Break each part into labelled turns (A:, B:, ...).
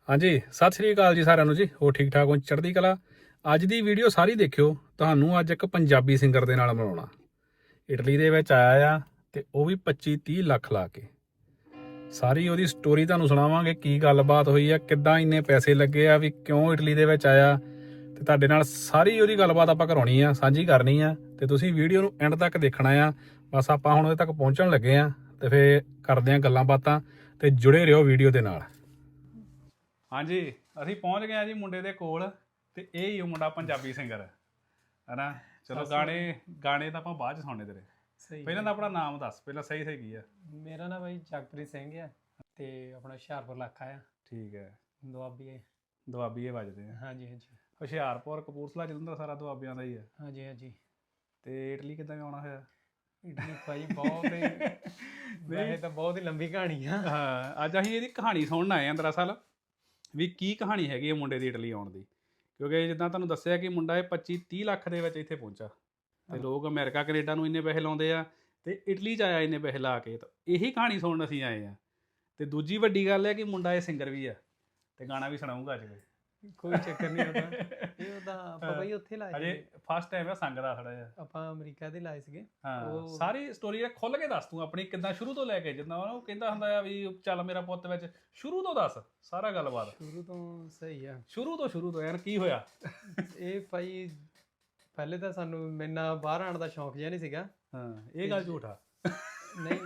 A: ਹਾਂਜੀ, ਸਤਿ ਸ੍ਰੀ ਅਕਾਲ ਜੀ ਸਾਰਿਆਂ ਨੂੰ ਜੀ। ਹੋਰ ਠੀਕ ਠਾਕ ਹੋ? ਚੜ੍ਹਦੀ ਕਲਾ। ਅੱਜ ਦੀ ਵੀਡੀਓ ਸਾਰੀ ਦੇਖਿਓ। ਤੁਹਾਨੂੰ ਅੱਜ ਇੱਕ ਪੰਜਾਬੀ ਸਿੰਗਰ ਦੇ ਨਾਲ ਮਿਲਾਉਣਾ। ਇਟਲੀ ਦੇ ਵਿੱਚ ਆਇਆ ਆ ਤੇ ਉਹ ਵੀ 25-30 ਲੱਖ ਲਾ ਕੇ। ਸਾਰੀ ਉਹਦੀ ਸਟੋਰੀ ਤੁਹਾਨੂੰ ਸੁਣਾਵਾਂਗੇ, ਕੀ ਗੱਲਬਾਤ ਹੋਈ ਆ, ਕਿੱਦਾਂ ਇੰਨੇ ਪੈਸੇ ਲੱਗੇ ਆ, ਵੀ ਕਿਉਂ ਇਟਲੀ ਦੇ ਵਿੱਚ ਆਇਆ, ਤੇ ਤੁਹਾਡੇ ਨਾਲ ਸਾਰੀ ਉਹਦੀ ਗੱਲਬਾਤ ਆਪਾਂ ਕਰਾਉਣੀ ਆ, ਸਾਂਝੀ ਕਰਨੀ ਆ। ਤੇ ਤੁਸੀਂ ਵੀਡੀਓ ਨੂੰ ਐਂਡ ਤੱਕ ਦੇਖਣਾ ਆ। ਬਸ ਆਪਾਂ ਹੁਣ ਉਹਦੇ ਤੱਕ ਪਹੁੰਚਣ ਲੱਗੇ ਆ ਤੇ ਫੇਰ ਕਰਦੇ ਆ ਗੱਲਾਂ ਬਾਤਾਂ, ਤੇ ਜੁੜੇ ਰਹੋ ਵੀਡੀਓ ਦੇ ਨਾਲ। ਹਾਂਜੀ, ਅਸੀਂ ਪਹੁੰਚ ਗਏ ਆ ਜੀ ਮੁੰਡੇ ਦੇ ਕੋਲ, ਤੇ ਇਹ ਹੀ ਉਹ ਮੁੰਡਾ ਪੰਜਾਬੀ ਸਿੰਗਰ ਹੈ ਨਾ। ਚਲੋ ਗਾਣੇ ਤਾਂ ਆਪਾਂ ਬਾਅਦ ਚ ਸੁਣਨੇ ਤੇਰੇ।
B: ਸਹੀ
A: ਪਹਿਲਾਂ ਤਾਂ ਆਪਣਾ ਨਾਮ ਦੱਸ, ਪਹਿਲਾਂ ਸਹੀ ਸਹੀ ਕੀ ਆ?
B: ਮੇਰਾ ਨਾ ਬਾਈ ਜਗਪ੍ਰੀਤ ਸਿੰਘ ਆ ਤੇ ਆਪਣਾ ਹੁਸ਼ਿਆਰਪੁਰ ਇਲਾਕਾ ਆ।
A: ਠੀਕ ਹੈ,
B: ਦੁਆਬੀ।
A: ਦੁਆਬੀਏ ਵੱਜਦੇ ਆ।
B: ਹਾਂਜੀ ਹਾਂਜੀ
A: ਹੁਸ਼ਿਆਰਪੁਰ, ਕਪੂਰਥਲਾ, ਜਲੰਧਰ ਸਾਰਾ ਦੁਆਬੀਆਂ ਦਾ ਹੀ ਆ।
B: ਹਾਂਜੀ ਹਾਂਜੀ।
A: ਤੇ ਇਟਲੀ ਕਿੱਦਾਂ ਆਉਣਾ ਹੋਇਆ?
B: ਇਟਲੀ ਭਾਈ ਬਹੁਤ ਹੀ ਵੈਸੇ ਤਾਂ ਬਹੁਤ ਹੀ ਲੰਬੀ ਕਹਾਣੀ ਆ।
A: ਹਾਂ, ਅੱਜ ਅਸੀਂ ਇਹਦੀ ਕਹਾਣੀ ਸੁਣਨ ਆਏ ਆ ਦਰਅਸਲ, ਵੀ ਕੀ ਕਹਾਣੀ ਹੈਗੀ ਹੈ ਮੁੰਡੇ ਦੀ ਇਟਲੀ ਆਉਣ ਦੀ। ਕਿਉਂਕਿ ਜਿੱਦਾਂ ਤੁਹਾਨੂੰ ਦੱਸਿਆ ਕਿ ਮੁੰਡਾ ਇਹ 25-30 ਲੱਖ ਦੇ ਵਿੱਚ ਇੱਥੇ ਪਹੁੰਚਾ, ਤੇ ਲੋਕ ਅਮਰੀਕਾ ਕੈਨੇਡਾ ਨੂੰ ਇੰਨੇ ਪੈਸੇ ਲਾਉਂਦੇ ਆ, ਤੇ ਇਟਲੀ 'ਚ ਆਇਆ ਇੰਨੇ ਪੈਸੇ ਲਾ ਕੇ। ਤਾਂ ਇਹੀ ਕਹਾਣੀ ਸੁਣਨ ਅਸੀਂ ਆਏ ਆ। ਤੇ ਦੂਜੀ ਵੱਡੀ ਗੱਲ ਹੈ ਕਿ ਮੁੰਡਾ ਇਹ ਸਿੰਗਰ ਵੀ ਆ, ਤੇ ਗਾਣਾ ਵੀ ਸੁਣਾਊਗਾ ਅੱਜ
B: ਕੋਈ ਚੱਕਰ ਨਹੀਂ ਉਹਦਾ। ਇਹ ਉਹਦਾ ਆਪਾਂ ਬਾਈ ਉੱਥੇ ਲਾਏ
A: ਅਜੇ
B: ਸੀਗੇ।
A: ਫਸਟ ਟਾਈਮ ਆ ਸੰਗਦਾ ਥੋੜਾ ਜਿਹਾ।
B: ਆਪਾਂ ਅਮਰੀਕਾ ਦੇ ਲਾਏ ਸੀਗੇ।
A: ਹਾਂ, ਸਾਰੀ ਸਟੋਰੀ ਖੁੱਲ ਕੇ ਦੱਸ ਤੂੰ ਆਪਣੀ, ਕਿੱਦਾਂ ਸ਼ੁਰੂ ਤੋਂ ਲੈ ਕੇ, ਜਿੱਦਾਂ ਉਹ ਕਹਿੰਦਾ ਹੁੰਦਾ ਆ ਵੀ ਚੱਲ ਮੇਰਾ ਪੁੱਤ ਵਿੱਚ, ਸ਼ੁਰੂ ਤੋਂ ਦੱਸ ਸਾਰਾ ਗੱਲਬਾਤ।
B: ਸ਼ੁਰੂ ਤੋਂ ਸਹੀ ਆ।
A: ਸ਼ੁਰੂ ਤੋਂ ਯਾਰ ਕੀ ਹੋਇਆ?
B: ਇਹ ਭਾਈ ਪਹਿਲੇ ਤਾਂ ਸਾਨੂੰ ਮੈਨਾਂ ਬਾਹਰ ਆਉਣ ਦਾ ਸ਼ੌਂਕ ਜਿਹਾ ਨਹੀਂ ਸੀਗਾ।
A: ਹਾਂ, ਇਹ ਗੱਲ ਝੂਠ ਆ।
B: ਨਹੀਂ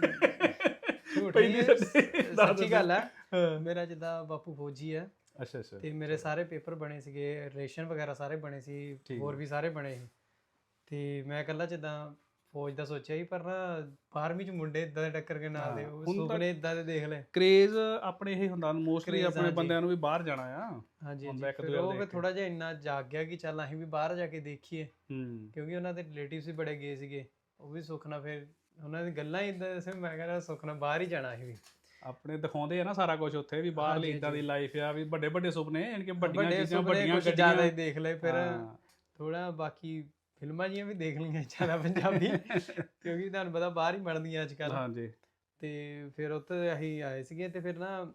B: ਝੂਠ
A: ਪਹਿਲੀ
B: ਨਹੀਂ, ਸੱਚੀ ਗੱਲ ਆ। ਮੇਰਾ ਜਿੱਦਾਂ ਬਾਪੂ ਫੌਜੀ ਆ,
A: ਅੱਛਾ ਅੱਛਾ,
B: ਤੇ ਮੇਰੇ ਸਾਰੇ ਪੇਪਰ ਬਣੇ ਸੀਗੇ, ਰੇਸ਼ਨ ਵਗੈਰਾ ਸਾਰੇ ਬਣੇ ਸੀ, ਹੋਰ ਵੀ ਸਾਰੇ ਬਣੇ ਸੀ। ਤੇ ਮੈਂ ਇਕੱਲਾ ਜਿੱਦਾਂ ਫੌਜ ਦਾ ਸੋਚਿਆ ਸੀ, ਪਰ ਨਾ 12ਵੀਂ ਚ ਮੁੰਡੇ ਇਦਾਂ ਦੇ ਟੱਕਰ ਕੇ ਨਾਲ ਦੇ, ਉਹ ਸੁਪਨੇ ਇਦਾਂ ਦੇ ਦੇਖ ਲਏ।
A: ਕ੍ਰੇਜ਼ ਆਪਣੇ ਇਹ ਹੁੰਦਾ ਮੋਸਟਲੀ ਆਪਣੇ ਬੰਦਿਆਂ ਨੂੰ ਵੀ ਬਾਹਰ ਜਾਣਾ ਆ।
B: ਹਾਂਜੀ ਹਾਂਜੀ। ਫਿਰ ਉਹ ਫਿਰ ਥੋੜਾ ਜਿਹਾ ਇੰਨਾ ਜਾਗ ਗਿਆ ਕਿ ਚੱਲ ਅਸੀਂ ਵੀ ਬਾਹਰ ਜਾ ਕੇ ਦੇਖੀਏ, ਕਿਉਂਕਿ ਉਹਨਾਂ ਦੇ ਰਿਲੇਟਿਵਸ ਵੀ ਬੜੇ ਗਏ ਸੀਗੇ। ਉਹ ਵੀ ਸੁਖਨਾ, ਫਿਰ ਉਹਨਾਂ ਦੀ ਗੱਲਾਂ ਹੀ ਇਦਾਂ ਦੱਸੇ, ਮੈਂ ਕਹਿੰਦਾ ਸੁਖਨਾ ਬਾਹਰ ਹੀ ਜਾਣਾ ਅਸੀਂ ਵੀ।
A: ਆਪਣੇ ਦਿਖਾਉਂਦੇ ਆ ਨਾ ਸਾਰਾ ਕੁਝ ਉੱਥੇ, ਵੀ ਬਾਹਰਲੀ ਇਦਾਂ ਦੀ ਲਾਈਫ ਆ, ਵੀ ਵੱਡੇ ਵੱਡੇ ਸੁਪਨੇ, ਯਾਨੀ ਕਿ ਵੱਡੀਆਂ ਚੀਜ਼ਾਂ, ਵੱਡੀਆਂ
B: ਗੱਡੀਆਂ ਜ਼ਿਆਦਾ ਹੀ ਦੇਖ ਲਏ। ਫਿਰ ਥੋੜਾ ਬਾਕੀ ਫਿਲਮਾਂ ਜੀਆਂ ਵੀ ਦੇਖ ਲਈਆਂ ਜ਼ਿਆਦਾ ਪੰਜਾਬੀ, ਕਿਉਂਕਿ ਤੁਹਾਨੂੰ ਪਤਾ ਬਾਹਰ ਹੀ ਬਣਦੀਆਂ ਅੱਜ ਕੱਲ੍ਹ। ਹਾਂਜੀ। ਤੇ ਫਿਰ ਉੱਥੇ ਅਸੀਂ ਆਏ ਸੀਗੇ, ਤੇ ਫਿਰ ਨਾ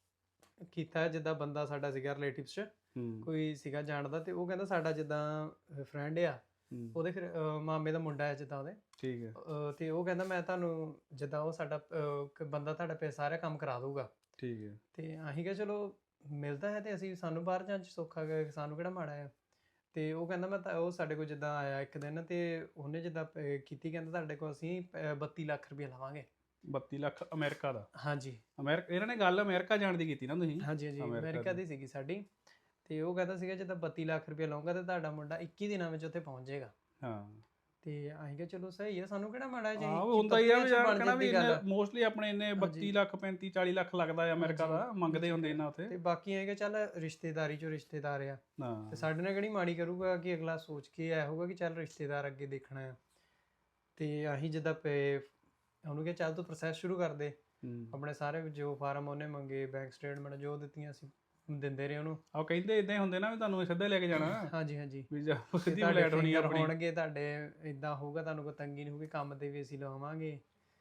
B: ਕੀਤਾ, ਜਿੱਦਾਂ ਬੰਦਾ ਸਾਡਾ ਸੀਗਾ ਰਿਲੇਟਿਵਸ 'ਚ ਕੋਈ ਸੀਗਾ ਜਾਣਦਾ, ਤੇ ਉਹ ਕਹਿੰਦਾ ਸਾਡਾ ਜਿੱਦਾਂ ਫਰੈਂਡ ਆ, ਉਹਦੇ ਫਿਰ ਮਾਮੇ ਦਾ ਮੁੰਡਾ ਹੈ ਜਿੱਦਾਂ ਉਹਦੇ। ਠੀਕ ਹੈ। ਤੇ ਉਹ ਕਹਿੰਦਾ ਮੈਂ ਤੁਹਾਨੂੰ ਜਿੱਦਾਂ ਉਹ ਸਾਡਾ ਬੰਦਾ ਤੁਹਾਡਾ ਸਾਰਾ ਕੰਮ ਕਰਾ ਦਊਗਾ। ਠੀਕ ਹੈ। ਤੇ ਅਸੀਂ ਕਿਹਾ ਚਲੋ ਮਿਲਦਾ ਹੈ, ਤੇ ਅਸੀਂ ਸਾਨੂੰ ਬਾਹਰ ਜਾਣ 'ਚ ਸੌਖਾ ਗਿਆ, ਸਾਨੂੰ ਕਿਹੜਾ ਮਾੜਾ ਆ। ਤੇ ਉਹ ਕਹਿੰਦਾ ਮੈਂ ਤਾਂ, ਉਹ ਸਾਡੇ ਕੋਲ ਜਿੱਦਾਂ ਆਇਆ ਇੱਕ ਦਿਨ, ਤੇ ਉਹਨੇ ਜਿੱਦਾਂ ਕੀਤੀ, ਕਹਿੰਦਾ ਤੁਹਾਡੇ ਕੋਲ ਅਸੀਂ 32 ਲੱਖ ਰੁਪਏ ਲਵਾਂਗੇ। 32 ਲੱਖ ਅਮਰੀਕਾ ਦਾ? ਹਾਂਜੀ। ਅਮਰੀਕਾ, ਇਹਨਾਂ ਨੇ ਗੱਲ ਅਮਰੀਕਾ ਜਾਣ ਦੀ ਕੀਤੀ ਨਾ ਤੁਸੀਂ? ਹਾਂਜੀ ਹਾਂਜੀ, ਅਮਰੀਕਾ ਦੀ ਸੀਗੀ ਸਾਡੀ। ਤੇ ਉਹ ਕਹਿੰਦਾ ਸੀਗਾ ਜਿੱਦਾਂ 32 ਲੱਖ ਰੁਪਏ ਲਵਾਂਗਾ ਤੇ ਤੁਹਾਡਾ ਮੁੰਡਾ 21 ਦਿਨਾਂ ਵਿੱਚ ਉੱਥੇ ਪਹੁੰਚ ਜਾਏਗਾ। ਹਾਂ। ਤੇ ਅਸੀਂ ਕਿਹਾ ਚਲੋ ਸਹੀ ਆ, ਸਾਨੂੰ ਕਿਹੜਾ ਮਾੜਾ ਚਾਹੀਦਾ। ਹੁੰਦਾ ਹੀ ਆ ਵੀ ਯਾਰ ਕਹਿਣਾ ਵੀ ਮੋਸਟਲੀ ਆਪਣੇ ਇੰਨੇ 32 ਲੱਖ 35-40 ਲੱਖ ਲੱਗਦਾ ਆ ਅਮਰੀਕਾ ਦਾ, ਮੰਗਦੇ ਹੁੰਦੇ ਇਹਨਾਂ ਉੱਥੇ। ਤੇ ਬਾਕੀ ਇਹ ਕਿ ਚੱਲ ਰਿਸ਼ਤੇਦਾਰੀ ਚੋਂ ਰਿਸ਼ਤੇਦਾਰ ਆ, ਤੇ ਸਾਡੇ ਨਾਲ ਕਿਹੜੀ ਮਾੜੀ ਕਰੂਗਾ, ਕਿ ਅਗਲਾ ਸੋਚ ਕੇ ਆਇਆ ਹੋਊਗਾ ਕਿ ਚੱਲ ਰਿਸ਼ਤੇਦਾਰ ਅੱਗੇ ਦੇਖਣਾ ਆ। ਤੇ ਅਸੀਂ ਜਿੱਦਾਂ ਉਹਨੂੰ ਕਿਹਾ ਚੱਲ ਤੂੰ ਪ੍ਰੋਸੈਸ ਸ਼ੁਰੂ ਕਰ ਦੇ, ਆਪਣੇ ਸਾਰੇ ਜੋ ਫਾਰਮ ਉਹਨੇ ਮੰਗੇ, ਬੈਂਕ ਸਟੇਟਮੈਂਟ ਜੋ ਦਿੱਤੀਆਂ ਅਸੀਂ ਦਿੰਦੇ ਰਹੇ ਉਹਨੂੰ। ਉਹ ਕਹਿੰਦੇ ਇਦਾਂ ਹੀ ਹੁੰਦੇ ਨਾ ਵੀ ਤੁਹਾਨੂੰ ਸਿੱਧਾ ਲੈ ਕੇ ਜਾਣਾ। ਹਾਂਜੀ ਹਾਂਜੀ, ਸਿੱਧੀ ਫਲੈਟ ਹੋਣੀ ਆਪਣੀ, ਹੋਣਗੇ ਤੁਹਾਡੇ, ਇਦਾਂ ਹੋਊਗਾ, ਤੁਹਾਨੂੰ ਕੋਈ ਤੰਗੀ ਨਹੀਂ ਹੋਊਗੀ, ਕੰਮ ਤੇ ਵੀ ਅਸੀਂ ਲਵਾਵਾਂਗੇ।